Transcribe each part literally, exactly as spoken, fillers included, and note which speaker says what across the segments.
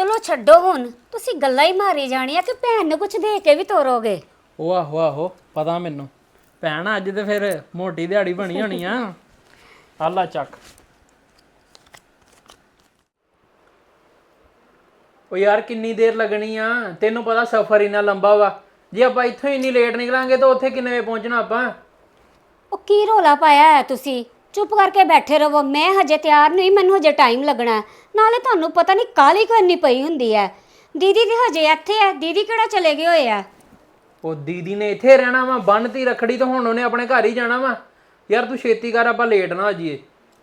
Speaker 1: ਚਲੋ ਛੱਡੋ ਹੁਣ, ਤੁਸੀਂ ਗੱਲਾਂ ਹੀ ਮਾਰੀ ਜਾਣੀਆਂ ਕਿ ਭੈਣ ਨੂੰ ਕੁਝ ਦੇ ਕੇ ਵੀ ਤੋਰੋਗੇ।
Speaker 2: ਉਹ ਆਹੋ ਆਹੋ ਪਤਾ ਮੈਨੂੰ। ਭੈਣ ਅੱਜ ਤੇ ਫਿਰ ਮੋਟੀ ਦਿਹਾੜੀ ਬਣੀ ਹੋਣੀ ਆ। ਆਲਾ ਚੱਕ। ਉਹ ਯਾਰ ਕਿੰਨੀ ਦੇਰ ਲੱਗਣੀ ਆ? ਤੈਨੂੰ ਪਤਾ ਸਫ਼ਰ ਇੰਨਾ ਲੰਬਾ ਵਾ। ਜੇ ਆਪਾਂ ਇੱਥੋਂ ਇੰਨੀ ਲੇਟ ਨਿਕਲਾਂਗੇ ਤਾਂ ਉੱਥੇ ਕਿੰਨੇ ਵਜੇ ਪਹੁੰਚਣਾ ਆਪਾਂ?
Speaker 1: ਉਹ ਕੀ ਰੋਲਾ ਪਾਇਆ ਹੈ ਤੁਸੀਂ? ਚੁੱਪ ਕਰਕੇ ਬੈਠੇ ਰਹੋ, ਮੈਂ ਹਜੇ ਤਿਆਰ ਨਹੀਂ, ਮੈਨੂੰ ਹਜੇ ਟਾਈਮ ਲੱਗਣਾ ਹੈ। ਨਾਲੇ ਤੁਹਾਨੂੰ ਪਤਾ ਨਹੀਂ ਕਾਹਲੀ ਕਰਨੀ ਪਈ ਹੁੰਦੀ ਹੈ। ਦੀਦੀ ਤੇ ਹਜੇ ਇੱਥੇ ਹੈ, ਦੀਦੀ ਕਿਹੜਾ ਚਲੇ ਗਏ ਹੋਏ ਆ?
Speaker 2: ਉਹ ਦੀਦੀ ਨੇ ਇੱਥੇ ਰਹਿਣਾ ਵਾ, ਬੰਨਤੀ ਰੱਖੜੀ ਤਾਂ ਹੁਣ ਉਹਨੇ ਆਪਣੇ ਘਰ ਹੀ ਜਾਣਾ ਵਾ। ਯਾਰ ਤੂੰ ਛੇਤੀ ਕਰ, ਆਪਾਂ ਲੇਟ ਨਾ ਹੋ ਜਾਈਏ।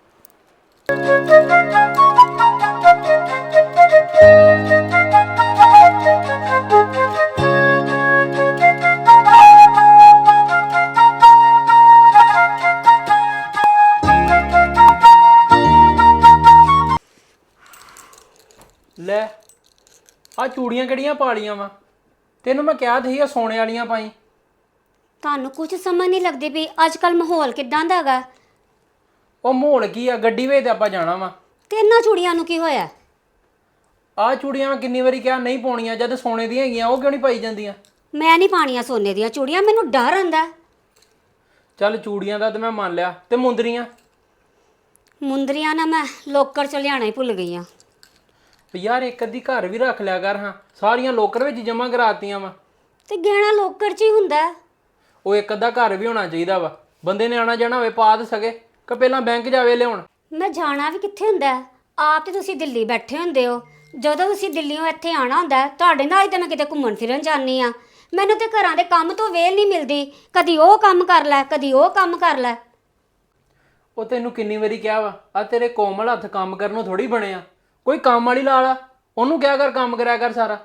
Speaker 2: ਲੈ ਆ ਚੂੜੀਆਂ ਕਿਹੜੀਆਂ ਪਾ ਲੀਆਂ ਵਾ? ਤੈਨੂੰ ਮੈਂ ਕਿਹਾ ਸੀ ਆ ਸੋਨੇ ਵਾਲੀਆਂ ਪਾਈ।
Speaker 1: ਤੁਹਾਨੂੰ ਕੁਝ ਸਮਝ ਨਹੀਂ ਲੱਗਦੀ ਵੀ ਅੱਜ ਕੱਲ ਮਾਹੌਲ ਕਿਦਾਂ ਦਾ ਹੈਗਾ।
Speaker 2: ਉਹ ਮਾਹੌਲ ਕੀ ਆ, ਗੱਡੀ ਵੇ ਤੇ ਆਪਾਂ ਜਾਣਾ ਵਾ।
Speaker 1: ਤੇ ਇਹਨਾਂ ਚੂੜੀਆਂ ਨੂੰ ਕੀ ਹੋਇਆ?
Speaker 2: ਆਹ ਚੂੜੀਆਂ ਮੈਂ ਕਿੰਨੀ ਵਾਰੀ ਕਿਹਾ ਨਹੀਂ ਪਾਉਣੀਆਂ, ਜਦ ਸੋਨੇ ਦੀਆਂ ਹੈਗੀਆਂ ਉਹ ਕਿਉਂ ਨਹੀਂ ਪਾਈ ਜਾਂਦੀਆਂ?
Speaker 1: ਮੈਂ ਨਹੀਂ ਪਾਣੀਆਂ ਸੋਨੇ ਦੀਆਂ ਚੂੜੀਆਂ, ਮੈਨੂੰ ਡਰ ਆਂਦਾ।
Speaker 2: ਚੱਲ ਚੂੜੀਆਂ ਦਾ ਤੇ ਮੈਂ ਮੰਨ ਲਿਆ, ਤੇ ਮੁੰਦਰੀਆਂ?
Speaker 1: ਮੁੰਦਰੀਆਂ ਨਾ ਮੈਂ ਲੋਕਰ ਚ ਲਿਆਣਾ ਹੀ ਭੁੱਲ ਗਈ ਆ।
Speaker 2: ਯਾਰ ਇੱਕ ਅੱਧੀ ਘਰ ਵੀ ਰੱਖ ਲਿਆ ਕਰ ਹਾਂ, ਸਾਰੀਆਂ ਲੋਕਰ ਵਿੱਚ ਜਮ੍ਹਾਂ ਕਰਾਤੀਆਂ ਵਾ।
Speaker 1: ਤੇ ਗਹਿਣਾ ਲੋਕਰ ਚ ਹੀ ਹੁੰਦਾ।
Speaker 2: ਉਹ ਇੱਕ ਅੱਧਾ ਘਰ ਵੀ ਹੋਣਾ ਚਾਹੀਦਾ ਵਾ, ਬੰਦੇ ਨੇ ਆਣਾ ਜਾਣਾ ਹੋਵੇ ਪਾ ਤਾਂ ਸਕੇ, ਕਿ ਪਹਿਲਾਂ ਬੈਂਕ ਜਾਵੇ ਲਿਆਉਣ।
Speaker 1: ਮੈਂ ਜਾਣਾ ਵੀ ਕਿੱਥੇ ਹੁੰਦਾ? ਆਪ ਤੇ ਤੁਸੀਂ ਦਿੱਲੀ ਬੈਠੇ ਹੁੰਦੇ ਹੋ, ਜਦੋਂ ਤੁਸੀਂ ਦਿੱਲੀੋਂ ਇੱਥੇ ਆਣਾ ਹੁੰਦਾ ਤੁਹਾਡੇ ਨਾਲ ਹੀ ਤਾਂ ਮੈਂ ਕਿਤੇ ਘੁੰਮਣ ਫਿਰਨ ਜਾਂਦੀ ਆ। ਮੈਨੂੰ ਤੇ ਘਰਾਂ ਦੇ ਕੰਮ ਤੋਂ ਵੇਲ ਨਹੀਂ ਮਿਲਦੀ, ਕਦੀ ਉਹ ਕੰਮ ਕਰ ਲੈ ਕਦੀ ਉਹ ਕੰਮ ਕਰ ਲੈ।
Speaker 2: ਉਹ ਤੈਨੂੰ ਕਿੰਨੀ ਵਾਰੀ ਕਿਹਾ ਵਾ, ਆ ਤੇਰੇ ਕੋਮਲ ਹੱਥ ਕੰਮ ਕਰਨ ਨੂੰ ਥੋੜੀ ਬਣਿਆ। ਕੋਈ ਕੰਮ ਵਾਲੀ ਲਾ ਲਾ, ਉਹਨੂੰ ਕਿਹਾ ਕਰ ਕੰਮ ਕਰਿਆ ਕਰ ਸਾਰਾ।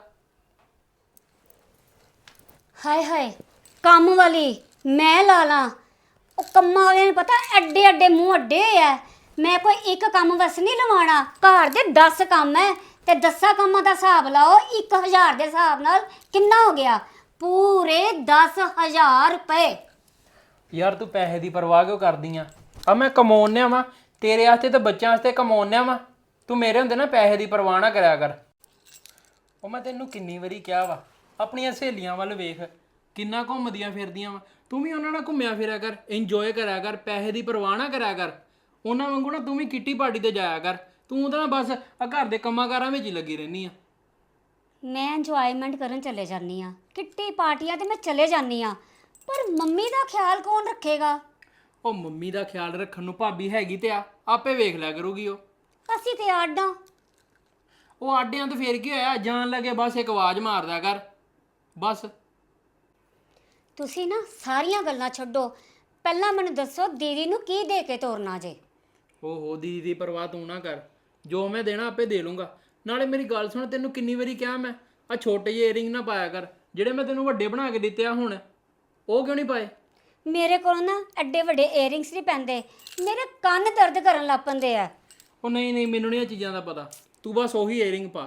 Speaker 1: ਹਾਏ ਹਾਏ, ਕੰਮ ਵਾਲੀ ਮੈਂ ਲਾ ਲਾਂ? ਉਹ ਕੰਮਾਂ ਵਾਲਿਆਂ ਨੂੰ ਪਤਾ ਐਡੇ ਐਡੇ ਮੂੰਹ ਅੱਡੇ ਆ। ਮੈਂ ਕੋਈ ਇੱਕ ਕੰਮ ਵਸ ਨਹੀਂ ਲਵਾਉਣਾ, ਘਰ ਦੇ ਦਸ ਕੰਮ ਹੈ ਤੇ ਦਸਾਂ ਕੰਮਾਂ ਦਾ ਹਿਸਾਬ ਲਾਓ, ਇੱਕ ਹਜ਼ਾਰ ਦੇ ਹਿਸਾਬ ਨਾਲ ਕਿੰਨਾ ਹੋ ਗਿਆ? ਪੂਰੇ ਦਸ ਹਜ਼ਾਰ ਰੁਪਏ।
Speaker 2: ਯਾਰ ਤੂੰ ਪੈਸੇ ਦੀ ਪਰਵਾਹ ਕਿਉਂ ਕਰਦੀ ਆ? ਆ ਮੈਂ ਕਮਾਉਣਿਆ ਵਾ ਤੇਰੇ ਵਾਸਤੇ ਤੇ ਬੱਚਿਆਂ ਵਾਸਤੇ ਕਮਾਉਣਿਆ ਵਾ। ਤੂੰ ਮੇਰੇ ਹੁੰਦੇ ਨਾ ਪੈਸੇ ਦੀ ਪਰਵਾਹ ਨਾ ਕਰਿਆ ਕਰ। ਉਹ ਮੈਂ ਤੈਨੂੰ ਕਿੰਨੀ ਵਾਰੀ ਕਿਹਾ ਵਾ, ਆਪਣੀਆਂ ਸਹੇਲੀਆਂ ਵੱਲ ਵੇਖ ਕਿੰਨਾ ਘੁੰਮਦੀਆਂ ਫਿਰਦੀਆਂ ਵਾ। ਤੂੰ ਵੀ ਉਹਨਾਂ ਨਾਲ ਘੁੰਮਿਆ ਫਿਰਿਆ ਕਰ, ਇੰਜੋਏ ਕਰਿਆ ਕਰ, ਪੈਸੇ ਦੀ ਪਰਵਾਹ ਨਾ ਕਰਿਆ ਕਰ। ਉਹਨਾਂ ਵਾਂਗੂ ਨਾ ਤੂੰ ਵੀ ਕਿੱਟੀ ਪਾਰਟੀ ਤੇ ਜਾਇਆ ਕਰ। ਤੂੰ ਤਾਂ ਬਸ ਆ ਘਰ ਦੇ ਕੰਮਾਂ ਕਾਰਾਂ ਵਿੱਚ ਹੀ ਲੱਗੀ ਰਹਿੰਦੀ ਆ।
Speaker 1: ਮੈਂ ਇੰਜੋਇਮੈਂਟ ਕਰਨ ਚਲੇ ਜਾਂਦੀ ਆ, ਕਿੱਟੀ ਪਾਰਟੀਆਂ ਤੇ ਮੈਂ ਚਲੇ ਜਾਂਦੀ ਆ, ਪਰ ਮੰਮੀ ਦਾ ਖਿਆਲ ਕੌਣ ਰੱਖੇਗਾ?
Speaker 2: ਉਹ ਮੰਮੀ ਦਾ ਖਿਆਲ ਰੱਖਣ ਨੂੰ ਭਾਬੀ ਹੈਗੀ ਤੇ ਆ, ਆਪੇ ਵੇਖ ਲਿਆ ਕਰੂਗੀ ਉਹ।
Speaker 1: ਅਸੀਂ ਤੇ ਆਡਾਂ।
Speaker 2: ਉਹ ਆਡਿਆਂ ਤੋਂ ਫੇਰ ਕੀ ਹੋਇਆ, ਜਾਣ ਲੱਗੇ ਬਸ ਇੱਕ ਆਵਾਜ਼ ਮਾਰਦਾ ਕਰ ਬਸ।
Speaker 1: ਤੁਸੀਂ ਨਾ ਸਾਰੀਆਂ ਗੱਲਾਂ ਛੱਡੋ, ਪਹਿਲਾਂ ਮੈਨੂੰ ਦੱਸੋ ਦੀਦੀ ਨੂੰ ਕੀ ਦੇ ਕੇ ਤੋਰਨਾ ਜੇ?
Speaker 2: ਓਹੋ ਦੀਦੀ ਦੀ ਪਰਵਾਹ ਤੂੰ ਨਾ ਕਰ, ਜੋ ਮੈਂ ਦੇਣਾ ਆਪੇ ਦੇ ਲੂੰਗਾ। ਨਾਲੇ ਮੇਰੀ ਗੱਲ ਸੁਣ, ਤੈਨੂੰ ਕਿੰਨੀ ਵਾਰੀ ਕਿਹਾ ਮੈਂ ਆ ਛੋਟੇ ਜਿਹੇ ਏਅਰਿੰਗ ਨਾ ਪਾਇਆ ਕਰ, ਜਿਹੜੇ ਮੈਂ ਤੈਨੂੰ ਵੱਡੇ ਬਣਾ ਕੇ ਦਿੱਤੇ ਆ ਹੁਣ, ਉਹ ਕਿਉਂ ਨਹੀਂ ਪਾਏ?
Speaker 1: ਮੇਰੇ ਕੋਲ ਨਾ ਐਡੇ ਵੱਡੇ ਏਅਰਿੰਗਸ ਨਹੀਂ ਪੈਂਦੇ, ਮੇਰੇ ਕੰਨ ਦਰਦ ਕਰਨ ਲੱਗ ਪੈਂਦੇ ਆ।
Speaker 2: ਉਹ ਨਹੀਂ ਨਹੀਂ, ਮੈਨੂੰ ਨਹੀਂ ਇਹ ਚੀਜ਼ਾਂ ਦਾ ਪਤਾ, ਤੂੰ ਬਸ ਉਹੀ ਏਅਰਿੰਗ ਪਾ।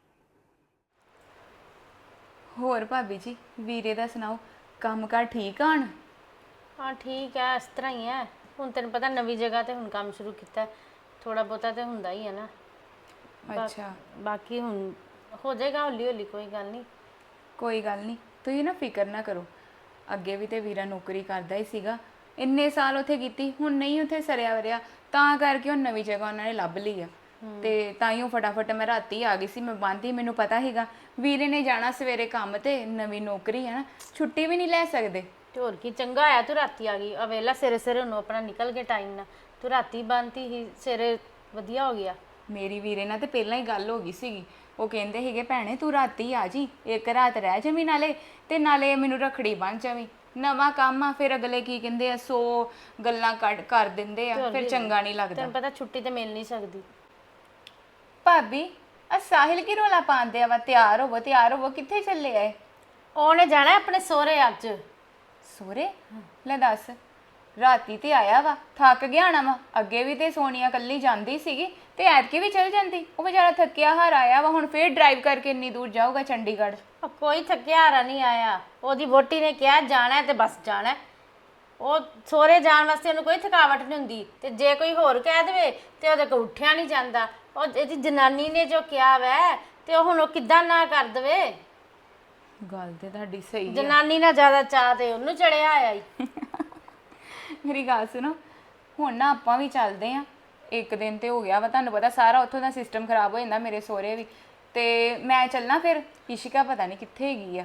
Speaker 3: ਹੋਰ ਭਾਬੀ ਜੀ, ਵੀਰੇ ਦਾ ਸੁਣਾਓ, ਕੰਮ ਕਾਰ ਠੀਕ ਆਣ?
Speaker 4: ਹਾਂ ਠੀਕ ਹੈ, ਇਸ ਤਰ੍ਹਾਂ ਹੀ ਹੈ। ਹੁਣ ਤੈਨੂੰ ਪਤਾ ਨਵੀਂ ਜਗ੍ਹਾ ਤੇ ਹੁਣ ਕੰਮ ਸ਼ੁਰੂ ਕੀਤਾ, ਥੋੜਾ ਬਹੁਤਾ ਤੇ ਹੁੰਦਾ ਹੀ ਹੈ ਨਾ।
Speaker 3: ਅੱਛਾ,
Speaker 4: ਬਾਕੀ ਹੁਣ ਹੋ ਜਾਏਗਾ ਹੌਲੀ ਹੌਲੀ, ਕੋਈ ਗੱਲ ਨਹੀਂ।
Speaker 3: ਕੋਈ ਗੱਲ ਨਹੀਂ, ਤੁਸੀਂ ਨਾ ਫਿਕਰ ਨਾ ਕਰੋ। ਅੱਗੇ ਵੀ ਤੇ ਵੀਰਾ ਨੌਕਰੀ ਕਰਦਾ ਹੀ ਸੀਗਾ, ਇੰਨੇ ਸਾਲ ਉੱਥੇ ਕੀਤੀ, ਹੁਣ ਨਹੀਂ ਉੱਥੇ ਸਰਿਆ ਵਰਿਆ, ਤਾਂ ਕਰਕੇ ਉਹ ਨਵੀਂ ਜਗ੍ਹਾ ਉਹਨਾਂ ਨੇ ਲੱਭ ਲਈ ਆ। ਤੇ ਤਾਂ ਹੀ ਉਹ ਫਟਾਫਟ ਮੈਂ ਰਾਤੀ ਆ ਗਈ ਸੀ, ਮੈਂ ਬੰਦੀ, ਮੈਨੂੰ ਪਤਾ ਸੀਗਾ ਵੀਰੇ ਨੇ ਜਾਣਾ ਸਵੇਰੇ ਕੰਮ ਤੇ, ਨਵੀਂ ਨੌਕਰੀ ਹੈ ਨਾ, ਛੁੱਟੀ ਵੀ ਨਹੀਂ ਲੈ ਸਕਦੇ।
Speaker 4: ਤੇ ਹੋਰ ਕੀ ਚੰਗਾ ਆਇਆ ਤੂੰ ਰਾਤੀ ਆ ਗਈ, ਆ ਵੇਲਾ ਸਵੇਰੇ ਸਵੇਰੇ ਉਹਨੂੰ ਆਪਣਾ ਨਿਕਲ ਕੇ ਟਾਈਮ ਨਾਲ, ਤੂੰ ਰਾਤੀ ਬੰਦੀ ਹੀ ਸਵੇਰੇ ਵਧੀਆ ਹੋ ਗਿਆ।
Speaker 3: ਮੇਰੀ ਵੀਰੇ ਨਾਲ ਤੇ ਪਹਿਲਾਂ ਹੀ ਗੱਲ ਹੋ ਗਈ ਸੀਗੀ, ਉਹ ਕਹਿੰਦੇ ਸੀਗੇ ਭੈਣੇ ਤੂੰ ਰਾਤੀ ਆ ਜੀ, ਇੱਕ ਰਾਤ ਰਹਿ ਜਾਵੀਂ ਨਾਲੇ, ਤੇ ਨਾਲੇ ਮੈਨੂੰ ਰੱਖੜੀ ਬੰਨ੍ਹ ਜਾਵੀਂ। ਨਵਾਂ ਕੰਮ ਆ, ਫਿਰ ਅਗਲੇ ਕੀ ਕਹਿੰਦੇ ਆ, ਸੌ ਗੱਲਾਂ ਕੱਢ ਕਰ ਦਿੰਦੇ ਆ, ਫਿਰ ਚੰਗਾ ਨਹੀਂ ਲੱਗਦਾ।
Speaker 4: ਤੈਨੂੰ ਪਤਾ ਛੁੱਟੀ ਤੇ ਮਿਲ ਨਹੀਂ ਸਕਦੀ।
Speaker 3: ਭਾਬੀ ਆ ਸਾਹਿਲ ਕੀ ਰੋਲਾ ਪਾਉਂਦੇ ਆ ਵਾ, ਤਿਆਰ ਹੋਵੋ ਤਿਆਰ ਹੋਵੋ, ਕਿੱਥੇ ਚੱਲੇ ਆਏ?
Speaker 4: ਉਹਨੇ ਜਾਣਾ ਆਪਣੇ ਸਹੁਰੇ ਅੱਜ।
Speaker 3: ਸੋਰੇ? ਲੈ ਦੱਸ, ਰਾਤੀ ਤੇ ਆਇਆ ਵਾ, ਥੱਕ ਗਿਆ ਆਣਾ ਵਾ। ਅੱਗੇ ਵੀ ਤੇ ਸੋਨੀਆ ਕੱਲੀ ਜਾਂਦੀ ਸੀਗੀ, ਤੇ ਐਤਕੀ ਵੀ ਚਲ ਜਾਂਦੀ। ਉਹ ਵਿਚਾਰਾ ਥੱਕਿਆ ਹਾਰ ਆਇਆ ਵਾ, ਹੁਣ ਫੇਰ ਡਰਾਈਵ ਕਰਕੇ ਇੰਨੀ ਦੂਰ ਜਾਊਗਾ ਚੰਡੀਗੜ੍ਹ।
Speaker 4: ਕੋਈ ਥੱਕਿਆ ਹਾਰਾ ਨਹੀਂ ਆਇਆ, ਉਹਦੀ ਵੋਟੀ ਨੇ ਕਿਹਾ ਜਾਣਾ ਤੇ ਬਸ ਜਾਣਾ। ਉਹ ਸਹੁਰੇ ਜਾਣ ਵਾਸਤੇ ਉਹਨੂੰ ਕੋਈ ਥਕਾਵਟ ਨਹੀਂ ਹੁੰਦੀ, ਤੇ ਜੇ ਕੋਈ ਹੋਰ ਕਹਿ ਦੇਵੇ ਤੇ ਉਹਦੇ ਕੋਲ ਉੱਠਿਆ ਨਹੀਂ ਜਾਂਦਾ। ਉਹ ਇਹਦੀ ਜਨਾਨੀ ਨੇ ਜੋ ਕਿਹਾ ਵੈ ਤੇ ਉਹ ਹੁਣ ਉਹ ਕਿੱਦਾਂ ਨਾ ਕਰ ਦਵੇ।
Speaker 3: ਗੱਲ ਤੇ ਤੁਹਾਡੀ ਸਹੀ ਆ।
Speaker 4: ਜਨਾਨੀ ਨਾਲ ਜ਼ਿਆਦਾ ਚਾਹ ਤੇ ਉਹਨੂੰ ਚੜਿਆ ਆਇਆ ਈ।
Speaker 3: ਮੇਰੀ ਗੱਲ ਸੁਣੋ, ਹੁਣ ਨਾ ਆਪਾਂ ਵੀ ਚੱਲਦੇ ਆ। ਇੱਕ ਦਿਨ ਤੇ ਹੋ ਗਿਆ ਵਾ, ਤੁਹਾਨੂੰ ਪਤਾ ਸਾਰਾ ਉੱਥੋਂ ਦਾ ਸਿਸਟਮ ਖਰਾਬ ਹੋ ਜਾਂਦਾ, ਮੇਰੇ ਸਹੁਰੇ ਵੀ। ਤੇ ਮੈਂ ਚੱਲਣਾ ਫਿਰ। ਇਸ਼ਿਕਾ ਪਤਾ ਨਹੀਂ ਕਿੱਥੇ ਹੈਗੀ ਆ।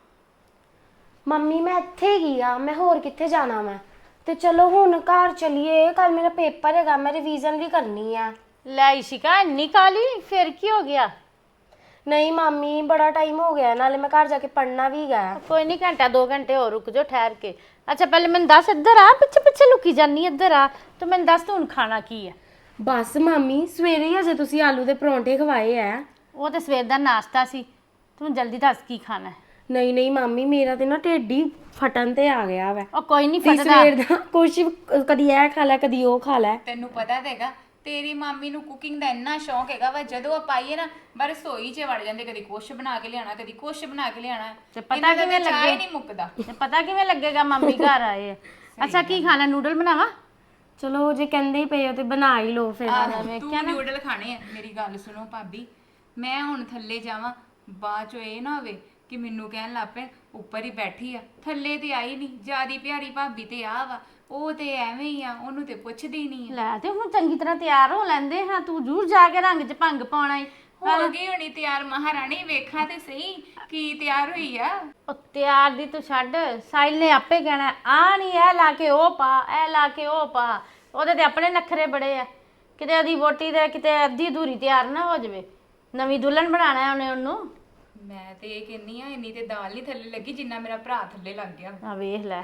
Speaker 5: ਮੰਮੀ ਮੈਂ ਇੱਥੇ ਹੀ ਆ, ਮੈਂ ਹੋਰ ਕਿੱਥੇ ਜਾਣਾ ਮੈਂ। ਤੇ ਚਲੋ ਹੁਣ ਘਰ ਚਲੀਏ, ਕੱਲ ਮੇਰਾ ਪੇਪਰ ਹੈਗਾ, ਮੈਂ ਰਿਵੀਜ਼ਨ ਵੀ ਕਰਨੀ ਆ।
Speaker 4: ਲੈ ਇਸ਼ਿਕਾ ਇੰਨੀ ਕਾਲੀ, ਫਿਰ ਕੀ ਹੋ ਗਿਆ?
Speaker 5: ਨਹੀਂ ਮਾਮੀ, ਬੜਾ ਟਾਈਮ ਹੋ ਗਿਆ, ਨਾਲੇ ਮੈਂ ਘਰ ਜਾ ਕੇ ਪੜ੍ਹਨਾ ਵੀ ਹੈਗਾ।
Speaker 4: ਕੋਈ ਨਹੀਂ, ਘੰਟਾ ਦੋ ਘੰਟੇ ਹੋਰ ਰੁਕ ਜਾਓ ਠਹਿਰ ਕੇ। ਅੱਛਾ ਪਹਿਲੇ ਮੈਨੂੰ ਦੱਸ, ਇੱਧਰ ਆ, ਪਿੱਛੇ ਪਿੱਛੇ ਲੁਕੀ ਜਾਨੀ, ਇੱਧਰ ਆ। ਤੂੰ ਮੈਨੂੰ ਦੱਸ ਤੂੰ ਹੁਣ ਖਾਣਾ ਕੀ ਹੈ?
Speaker 5: ਬਸ ਮਾਮੀ, ਸਵੇਰੇ ਹੀ ਅਜੇ ਤੁਸੀਂ ਆਲੂ ਦੇ ਪਰੌਂਠੇ ਖਵਾਏ ਆ।
Speaker 4: ਉਹ ਤੇ ਸਵੇਰ ਦਾ ਨਾਸ਼ਤਾ ਸੀ, ਤੂੰ ਜਲਦੀ ਦੱਸ ਕੀ ਖਾਣਾ ਹੈ?
Speaker 5: ਨਹੀਂ ਨਹੀਂ ਮਾਮੀ, ਮੇਰਾ ਤੇ ਨਾ ਢਿੱਡ ਹੀ ਫਟਣ ਤੇ ਆ ਗਿਆ ਵਾ।
Speaker 4: ਉਹ ਕੋਈ ਨਹੀਂ
Speaker 5: ਵੀ
Speaker 4: ਫਟਦਾ।
Speaker 5: ਸਵੇਰ ਦਾ ਕੁਛ ਕਦੀ ਇਹ ਖਾ ਲੈ, ਕਦੀ ਉਹ ਖਾ ਲੈ।
Speaker 3: ਤੈਨੂੰ ਪਤਾ ਤਾਂ ਹੈਗਾ ਤੇਰੀ ਮਾਮੀ ਨੂੰ ਕੁਕਿੰਗ ਦਾ ਇੰਨਾ ਸ਼ੌਂਕ ਹੈਗਾ ਵਾ, ਜਦੋਂ ਆਪਾਂ ਆਈਏ ਨਾ ਬਸ ਰਸੋਈ 'ਚ ਵੜ ਜਾਂਦੇ, ਕਦੀ ਕੁਛ ਬਣਾ ਕੇ ਲਿਆਣਾ, ਕਦੀ ਕੁਛ ਬਣਾ ਕੇ ਲਿਆਣਾ।
Speaker 4: ਤੇ ਪਤਾ ਕਿਵੇਂ
Speaker 3: ਚਾਹ
Speaker 4: ਲੱਗੇ?
Speaker 3: ਹੀ ਨਹੀਂ ਮੁੱਕਦਾ।
Speaker 4: ਤੇ ਪਤਾ ਕਿਵੇਂ ਲੱਗੇਗਾ ਮੰਮੀ ਘਰ ਆਏ ਆ? ਅੱਛਾ ਕੀ ਖਾਣਾ, ਨੂਡਲ ਬਣਾਵਾ?
Speaker 5: ਚਲੋ ਜੇ ਕਹਿੰਦੇ ਹੀ ਪਏ ਹੋ ਤੇ ਬਣਾ ਹੀ ਲਓ ਫਿਰ।
Speaker 3: ਤੂੰ ਨਿਊਡਲ ਖਾਣੇ ਆ। ਮੇਰੀ ਗੱਲ ਸੁਣੋ ਭਾਬੀ, ਮੈਂ ਹੁਣ ਥੱਲੇ ਜਾਵਾਂ, ਬਾਅਦ ਚੋਂ ਇਹ ਨਾ ਹੋਵੇ ਕਿ ਮੈਨੂੰ ਕਹਿਣ ਲੱਗ ਪਏ ਉੱਪਰ ਹੀ ਬੈਠੀ ਆ, ਥੱਲੇ ਤੇ ਆਈ ਨਹੀਂ। ਜਿਆਦੀ ਪਿਆਰੀ ਭਾਬੀ ਤੇ ਆ ਵਾ, ਉਹ ਤੇ ਐਵੇਂ ਹੀ ਆ, ਉਹਨੂੰ ਤੇ ਪੁੱਛਦੀ ਨਹੀਂ ਆ।
Speaker 4: ਲੈ ਤੇ ਹੁਣ ਚੰਗੀ ਤਰ੍ਹਾਂ ਤਿਆਰ ਹੋ ਲੈਂਦੇ ਹਾਂ, ਤੂੰ ਜ਼ਰੂਰ ਜਾ ਕੇ ਰੰਗ 'ਚ ਭੰਗ ਪਾਉਣਾ ਈ।
Speaker 3: ਹੋ ਗਈ ਹੋਣੀ ਤਿਆਰ ਮਹਾਰਾਣੀ, ਵੇਖਾ ਤੇ ਸਹੀ ਕੀ ਤਿਆਰ ਹੋਈ ਆ।
Speaker 4: ਉਹ ਤਿਆਰ ਦੀ ਤੂੰ ਛੱਡ, ਸਾਹਿਲ ਨੇ ਆਪੇ ਕਹਿਣਾ ਆ ਨਹੀਂ ਇਹ ਲਾ ਕੇ ਉਹ ਪਾ, ਇਹ ਲਾ ਕੇ ਉਹ ਪਾ। ਉਹਦੇ ਤੇ ਆਪਣੇ ਨਖਰੇ ਬੜੇ ਆ, ਕਿਤੇ ਉਹਦੀ ਵੋਟੀ ਦੇ ਕਿਤੇ ਅੱਧੀ ਅਧੂਰੀ ਤਿਆਰ ਨਾ ਹੋ ਜਾਵੇ। ਨਵੀਂ ਦੁਲਹਨ ਬਣਾਣਾ ਉਹਨੇ ਉਹਨੂੰ।
Speaker 3: ਮੈਂ ਤੇ ਇਹ ਕਹਿੰਨੀ ਆ, ਇੰਨੀ ਤੇ ਦਾਲ ਨਹੀਂ ਥੱਲੇ ਲੱਗੀ ਜਿੰਨਾ ਮੇਰਾ ਭਰਾ ਥੱਲੇ ਲੱਗ ਗਿਆ।
Speaker 4: ਆ ਵੇਖ ਲੈ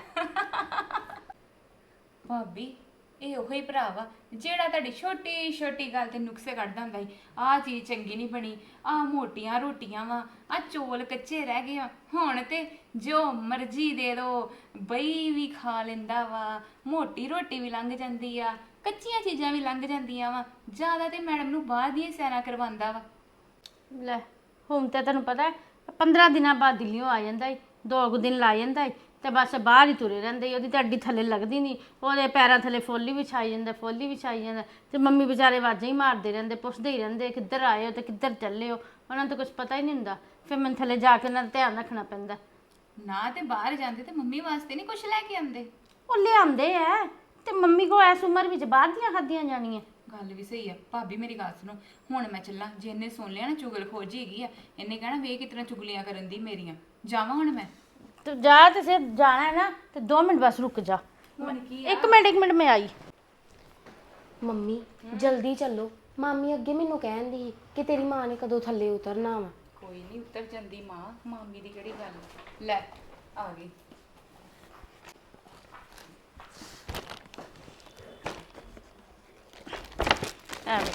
Speaker 3: ਭਾਬੀ, ਇਹ ਉਹੀ ਭਰਾ ਵਾ ਜਿਹੜਾ ਤੁਹਾਡੀ ਛੋਟੀ ਛੋਟੀ ਗੱਲ ਤੇ ਨੁਕਸੇ ਕੱਢਦਾ ਹੁੰਦਾ ਸੀ। ਆਹ ਚੀਜ਼ ਚੰਗੀ ਨਹੀਂ ਬਣੀ, ਆਹ ਮੋਟੀਆਂ ਰੋਟੀਆਂ ਵਾ, ਆਹ ਚੌਲ ਕੱਚੇ ਰਹਿ ਗਏ ਆ। ਹੁਣ ਤੇ ਜੋ ਮਰਜ਼ੀ ਦੇ ਦੋ, ਬਈ ਵੀ ਖਾ ਲੈਂਦਾ ਵਾ, ਮੋਟੀ ਰੋਟੀ ਵੀ ਲੰਘ ਜਾਂਦੀ ਆ, ਕੱਚੀਆਂ ਚੀਜ਼ਾਂ ਵੀ ਲੰਘ ਜਾਂਦੀਆਂ ਵਾ। ਜ਼ਿਆਦਾ ਤੇ ਮੈਡਮ ਨੂੰ ਬਾਹਰ ਦੀਆਂ ਸੈਰਾਂ ਕਰਵਾਉਂਦਾ ਵਾ।
Speaker 4: ਲੈ ਹੁਣ ਤੇ ਤੈਨੂੰ ਪਤਾ ਪੰਦਰਾਂ ਦਿਨਾਂ ਬਾਅਦ ਦਿੱਲੀੋਂ ਆ ਜਾਂਦਾ ਈ, ਦੋ ਕੁ ਦਿਨ ਲਾ ਜਾਂਦਾ ਈ, ਤੇ ਬਸ ਬਾਹਰ ਹੀ ਤੁਰੇ ਰਹਿੰਦੇ ਈ। ਉਹਦੀ ਤਾਂ ਅੱਡੀ ਥੱਲੇ ਲੱਗਦੀ ਨਹੀਂ, ਉਹਦੇ ਪੈਰਾਂ ਥੱਲੇ ਫੋਲੀ ਵਿਛਾਈ ਜਾਂਦਾ, ਫੋਲੀ ਵਿਛਾਈ ਜਾਂਦਾ। ਤੇ ਮੰਮੀ ਵਿਚਾਰੇ ਆਵਾਜ਼ਾਂ ਹੀ ਮਾਰਦੇ ਰਹਿੰਦੇ, ਪੁੱਛਦੇ ਹੀ ਰਹਿੰਦੇ ਕਿੱਧਰ ਆਏ ਹੋ ਤੇ ਕਿੱਧਰ ਚੱਲੇ ਹੋ। ਉਹਨਾਂ ਨੂੰ ਤਾਂ ਕੁਝ ਪਤਾ ਹੀ ਨਹੀਂ ਹੁੰਦਾ। ਫਿਰ ਮੈਨੂੰ ਥੱਲੇ ਜਾ ਕੇ ਉਹਨਾਂ ਦਾ ਧਿਆਨ ਰੱਖਣਾ ਪੈਂਦਾ।
Speaker 3: ਨਾ ਤੇ ਬਾਹਰ ਜਾਂਦੇ ਤੇ ਮੰਮੀ ਵਾਸਤੇ ਨਹੀਂ ਕੁਝ ਲੈ ਕੇ ਆਉਂਦੇ?
Speaker 4: ਉਹ ਲਿਆਉਂਦੇ ਐ, ਤੇ ਮੰਮੀ ਕੋ ਐਸ ਉਮਰ ਵਿੱਚ ਬਾਹਰ ਦੀਆਂ ਖਾਧੀਆਂ ਜਾਣੀਆਂ।
Speaker 3: ਗੱਲ ਵੀ ਸਹੀ ਆ ਭਾਬੀ। ਮੇਰੀ ਗੱਲ ਸੁਣੋ, ਹੁਣ ਮੈਂ ਚੱਲਾਂ। ਜੇ ਇਹਨੇ ਸੁਣ ਲਿਆ ਨਾ ਚੁਗਲ ਖੋਜੀ ਹੈਗੀ ਆ, ਇਹਨੇ ਕਹਿਣਾ ਵੇ ਕਿਤਨਾ ਚੁਗਲੀਆਂ ਕਰਨ ਦੀ ਮੇਰੀਆਂ। ਜਾਵਾਂ ਹੁਣ ਮੈਂ?
Speaker 4: ਤੂੰ ਜਾ, ਤੇ ਸਿਰ ਜਾਣਾ ਹੈ ਨਾ ਤੇ ਦੋ ਮਿੰਟ ਬਸ ਰੁਕ ਜਾ।
Speaker 3: ਹੁਣ ਕੀ
Speaker 4: ਇੱਕ ਮਿੰਟ ਇੱਕ ਮਿੰਟ ਮੈਂ ਆਈ।
Speaker 5: ਮੰਮੀ ਜਲਦੀ ਚੱਲੋ, ਮਾਮੀ ਅੱਗੇ ਮੈਨੂੰ ਕਹਿੰਦੀ ਸੀ ਕਿ ਤੇਰੀ ਮਾਂ ਨੇ ਕਦੋਂ ਥੱਲੇ ਉਤਰਨਾ ਵਾ।
Speaker 3: ਕੋਈ ਨਹੀਂ ਉਤਰ ਜਾਂਦੀ ਮਾਂ, ਮਾਮੀ ਦੀ ਕਿਹੜੀ ਗੱਲ। ਲੈ ਆ ਗਈ।
Speaker 4: ਐਵੇਂ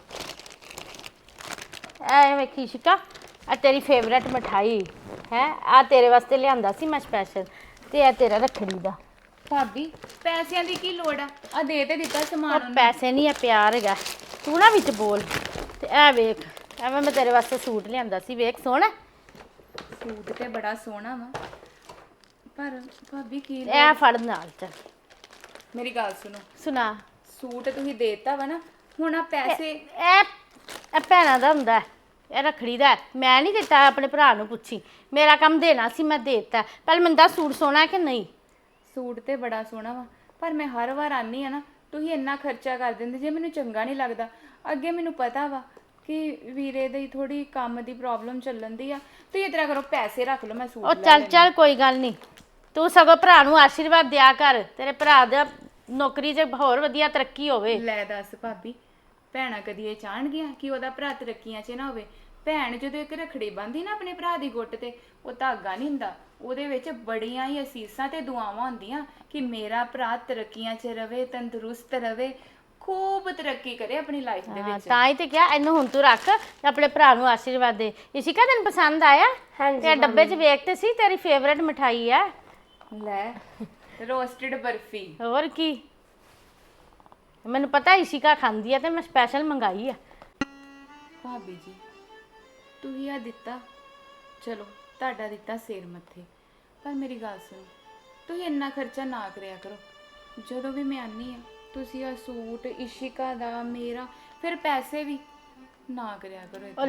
Speaker 4: ਐ ਵੇਖੀ ਸ਼ਿਕਾ, ਆ ਤੇਰੀ ਫੇਵਰੇਟ ਮਠਾਈ ਹੈ, ਆ ਤੇਰੇ ਵਾਸਤੇ ਲਿਆਂਦਾ ਸੀ ਮੈਂ ਸਪੈਸ਼ਲ, ਤੇ ਇਹ ਤੇਰਾ ਰੱਖੜੀ ਦਾ।
Speaker 3: ਭਾਬੀ ਪੈਸਿਆਂ ਦੀ ਕੀ ਲੋੜ ਆ? ਆ ਦੇ ਤੇ ਦਿੱਤਾ ਸਮਾਨ
Speaker 4: ਉਹ ਪੈਸੇ ਨਹੀਂ, ਆ ਪਿਆਰ ਹੈਗਾ। ਤੂੰ ਨਾ ਵਿੱਚ ਬੋਲ। ਤੇ ਇਹ ਵੇਖ, ਐਵੇਂ ਮੈਂ ਤੇਰੇ ਵਾਸਤੇ ਸੂਟ ਲਿਆਂਦਾ ਸੀ, ਵੇਖ ਸੋਹਣਾ।
Speaker 3: ਸੂਟ ਤੇ ਬੜਾ ਸੋਹਣਾ ਵਾ, ਪਰ ਭਾਬੀ ਕੀ
Speaker 4: ਇਹ ਫੜ ਨਾਲ ਚੱਲ।
Speaker 3: ਮੇਰੀ ਗੱਲ ਸੁਣੋ,
Speaker 4: ਸੁਣਾ।
Speaker 3: ਸੂਟ ਤੁਸੀਂ ਦੇਤਾ ਵਾ ਨਾ, ਹੁਣ ਆ ਪੈਸੇ।
Speaker 4: ਇਹ ਇਹ ਭੈਣਾਂ ਦਾ ਹੁੰਦਾ, ਇਹ ਰੱਖੜੀ ਦਾ। ਮੈਂ ਨਹੀਂ ਦਿੱਤਾ, ਆਪਣੇ ਭਰਾ ਨੂੰ ਪੁੱਛੀ। ਮੇਰਾ ਕੰਮ ਦੇਣਾ ਸੀ, ਮੈਂ ਦੇਤਾ। ਪਹਿਲੇ ਮੈਨੂੰ ਦੱਸ ਸੂਟ ਸੋਹਣਾ ਕਿ ਨਹੀਂ?
Speaker 3: ਸੂਟ ਤੇ ਬੜਾ ਸੋਹਣਾ ਵਾ, ਪਰ ਮੈਂ ਹਰ ਵਾਰ ਆਨੀ ਆ ਨਾ, ਤੁਸੀਂ ਇੰਨਾ ਖਰਚਾ ਕਰ ਦਿੰਦੇ ਜੇ, ਮੈਨੂੰ ਚੰਗਾ ਨਹੀਂ ਲੱਗਦਾ। ਅੱਗੇ ਮੈਨੂੰ ਪਤਾ ਵਾ ਕਿ ਵੀਰੇ ਦੀ ਥੋੜੀ ਕੰਮ ਦੀ ਪ੍ਰੋਬਲਮ ਚੱਲਣ ਦੀ ਆ। ਤੁਸੀਂ ਇਸ ਤਰ੍ਹਾਂ ਕਰੋ, ਪੈਸੇ ਰੱਖ ਲਓ, ਮੈਂ ਸੂਟ
Speaker 4: ਉਹ
Speaker 3: ਲੈ
Speaker 4: ਚੱਲ
Speaker 3: ਲੈਂਦੀ।
Speaker 4: ਚੱਲ ਕੋਈ ਗੱਲ ਨਹੀਂ, ਤੂੰ ਸਗੋਂ ਭਰਾ ਨੂੰ ਆਸ਼ੀਰਵਾਦ ਦਿਆ ਕਰ, ਤੇਰੇ ਭਰਾ ਦਾ ਨੌਕਰੀ 'ਚ ਹੋਰ ਵਧੀਆ ਤਰੱਕੀ ਹੋਵੇ।
Speaker 3: ਲੈ ਦੱਸ ਭਾਬੀ, ਭੈਣਾਂ ਕਦੀ ਇਹ ਚਾਹਣਗੀਆਂ ਕਿ ਉਹਦਾ ਭਰਾ ਤਰੱਕੀਆਂ 'ਚ ਨਾ ਹੋਵੇ? ਭੈਣ ਜਦੋਂ ਇੱਕ ਰੱਖੜੀ ਬੰਨ੍ਹਦੀ ਨਾ ਆਪਣੇ ਭਰਾ ਦੀ ਗੁੱਟ ਤੇ, ਉਹ ਧਾਗਾ ਨਹੀਂ ਹੁੰਦਾ, ਉਹਦੇ ਵਿੱਚ ਬੜੀਆਂ ਹੀ ਅਸੀਸਾਂ ਤੇ ਦੁਆਵਾਂ ਹੁੰਦੀਆਂ ਕਿ ਮੇਰਾ ਭਰਾ ਤਰੱਕੀਆਂ 'ਚ ਰਵੇ, ਤੰਦਰੁਸਤ ਰਵੇ, ਖੂਬ ਤਰੱਕੀ ਕਰੇ ਆਪਣੀ ਲਾਈਫ ਦੇ
Speaker 4: ਹਾਂ,
Speaker 3: ਵਿੱਚ।
Speaker 4: ਤਾਂ ਹੀ ਤੇ ਕਿਹਾ ਇਹਨੂੰ ਹੁਣ ਤੂੰ ਰੱਖ ਤੇ ਆਪਣੇ ਭਰਾ ਨੂੰ ਆਸ਼ੀਰਵਾਦ ਦੇ। ਇਸ਼ਿਕਾ ਤੈਨੂੰ ਪਸੰਦ ਆਇਆ?
Speaker 5: ਹਾਂਜੀ
Speaker 4: ਤੇ ਡੱਬੇ 'ਚ ਵੇਖ ਤੇ ਸੀ, ਤੇਰੀ ਫੇਵਰੇਟ ਮਠਾਈ ਆ।
Speaker 3: ਲੈ ਰੋਸਟਡ ਬਰਫੀ।
Speaker 4: ਹੋਰ ਕੀ, ਮੈਨੂੰ ਪਤਾ ਇਸ਼ਿਕਾ ਖਾਂਦੀ ਆ ਤੇ ਮੈਂ ਸਪੈਸ਼ਲ ਮੰਗਾਈ ਆ।
Speaker 3: ਭਾਬੀ ਜੀ ਤੁਸੀਂ ਆ ਦਿੱਤਾ, ਚਲੋ ਤੁਹਾਡਾ ਦਿੱਤਾ ਸਿਰ ਮੱਥੇ, ਪਰ ਮੇਰੀ ਗੱਲ ਸੁਣੋ, ਤੁਸੀਂ ਇੰਨਾ ਖਰਚਾ ਨਾ ਕਰਿਆ ਕਰੋ। ਜਦੋਂ ਵੀ ਮੈਂ ਆਨੀ ਆ, ਤੁਸੀਂ ਆ ਸੂਟ ਇਸ਼ਿਕਾ ਦਾ, ਮੇਰਾ, ਫਿਰ ਪੈਸੇ ਵੀ ਨਾ ਕਰਿਆ ਕਰੋ
Speaker 4: ਉਹ
Speaker 3: ਏਦਾਂ।
Speaker 4: ਲੈ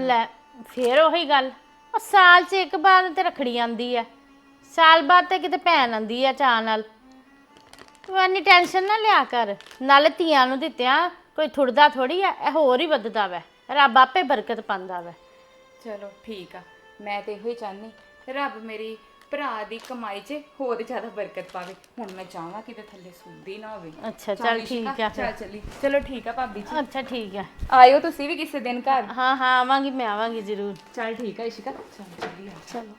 Speaker 4: ਫੇਰ ਉਹੀ ਗੱਲ, ਉਹ ਸਾਲ 'ਚ ਇੱਕ ਵਾਰ ਤੇ ਰੱਖੜੀ ਆਂਦੀ ਆ, ਸਾਲ ਬਾਅਦ ਤੇ ਕਿਤੇ ਭੈਣ ਆਂਦੀ ਆ ਚਾਅ ਨਾਲ। ਤੂੰ ਇੰਨੀ ਟੈਨਸ਼ਨ ਨਾ ਲਿਆ ਕਰ, ਨਾਲੇ ਧੀਆਂ ਨੂੰ ਦਿੱਤਿਆਂ ਕੋਈ ਥੁੜਦਾ ਥੋੜੀ ਆ, ਇਹ ਹੋਰ ਹੀ ਵੱਧਦਾ ਵੈ, ਰੱਬ ਆਪੇ ਬਰਕਤ ਪਾਉਂਦਾ ਵੈ।
Speaker 3: ਚਲੋ ਠੀਕ ਆ, ਮੈਂ ਤੇ ਇਹੋ ਹੀ ਚਾਹਨੀ ਰੱਬ ਮੇਰੀ ਭਰਾ ਦੀ ਕਮਾਈ 'ਚ ਹੋਰ ਜ਼ਿਆਦਾ ਬਰਕਤ ਪਾਵੇ। ਹੁਣ ਮੈਂ ਚਾਹਾਂ ਕਿਤੇ ਥੱਲੇ ਸੁਣਦੀ ਨਾ ਹੋਵੇ।
Speaker 4: ਅੱਛਾ ਚੱਲ ਠੀਕ ਆ
Speaker 3: ਚੱਲ
Speaker 4: ਫਿਰ।
Speaker 3: ਚੱਲੀ, ਚਲੋ ਠੀਕ ਆ ਭਾਬੀ ਜੀ।
Speaker 4: ਅੱਛਾ ਠੀਕ ਆ,
Speaker 3: ਆਇਓ ਤੁਸੀਂ ਵੀ ਕਿਸੇ ਦਿਨ ਘਰ।
Speaker 4: ਹਾਂ ਹਾਂ ਆਵਾਂਗੀ, ਮੈਂ ਆਵਾਂਗੀ ਜ਼ਰੂਰ।
Speaker 3: ਚੱਲ ਠੀਕ ਆ ਇਸ਼ਿਕਾ, ਚੱਲ ਚੱਲੀ।
Speaker 4: ਚਲੋ।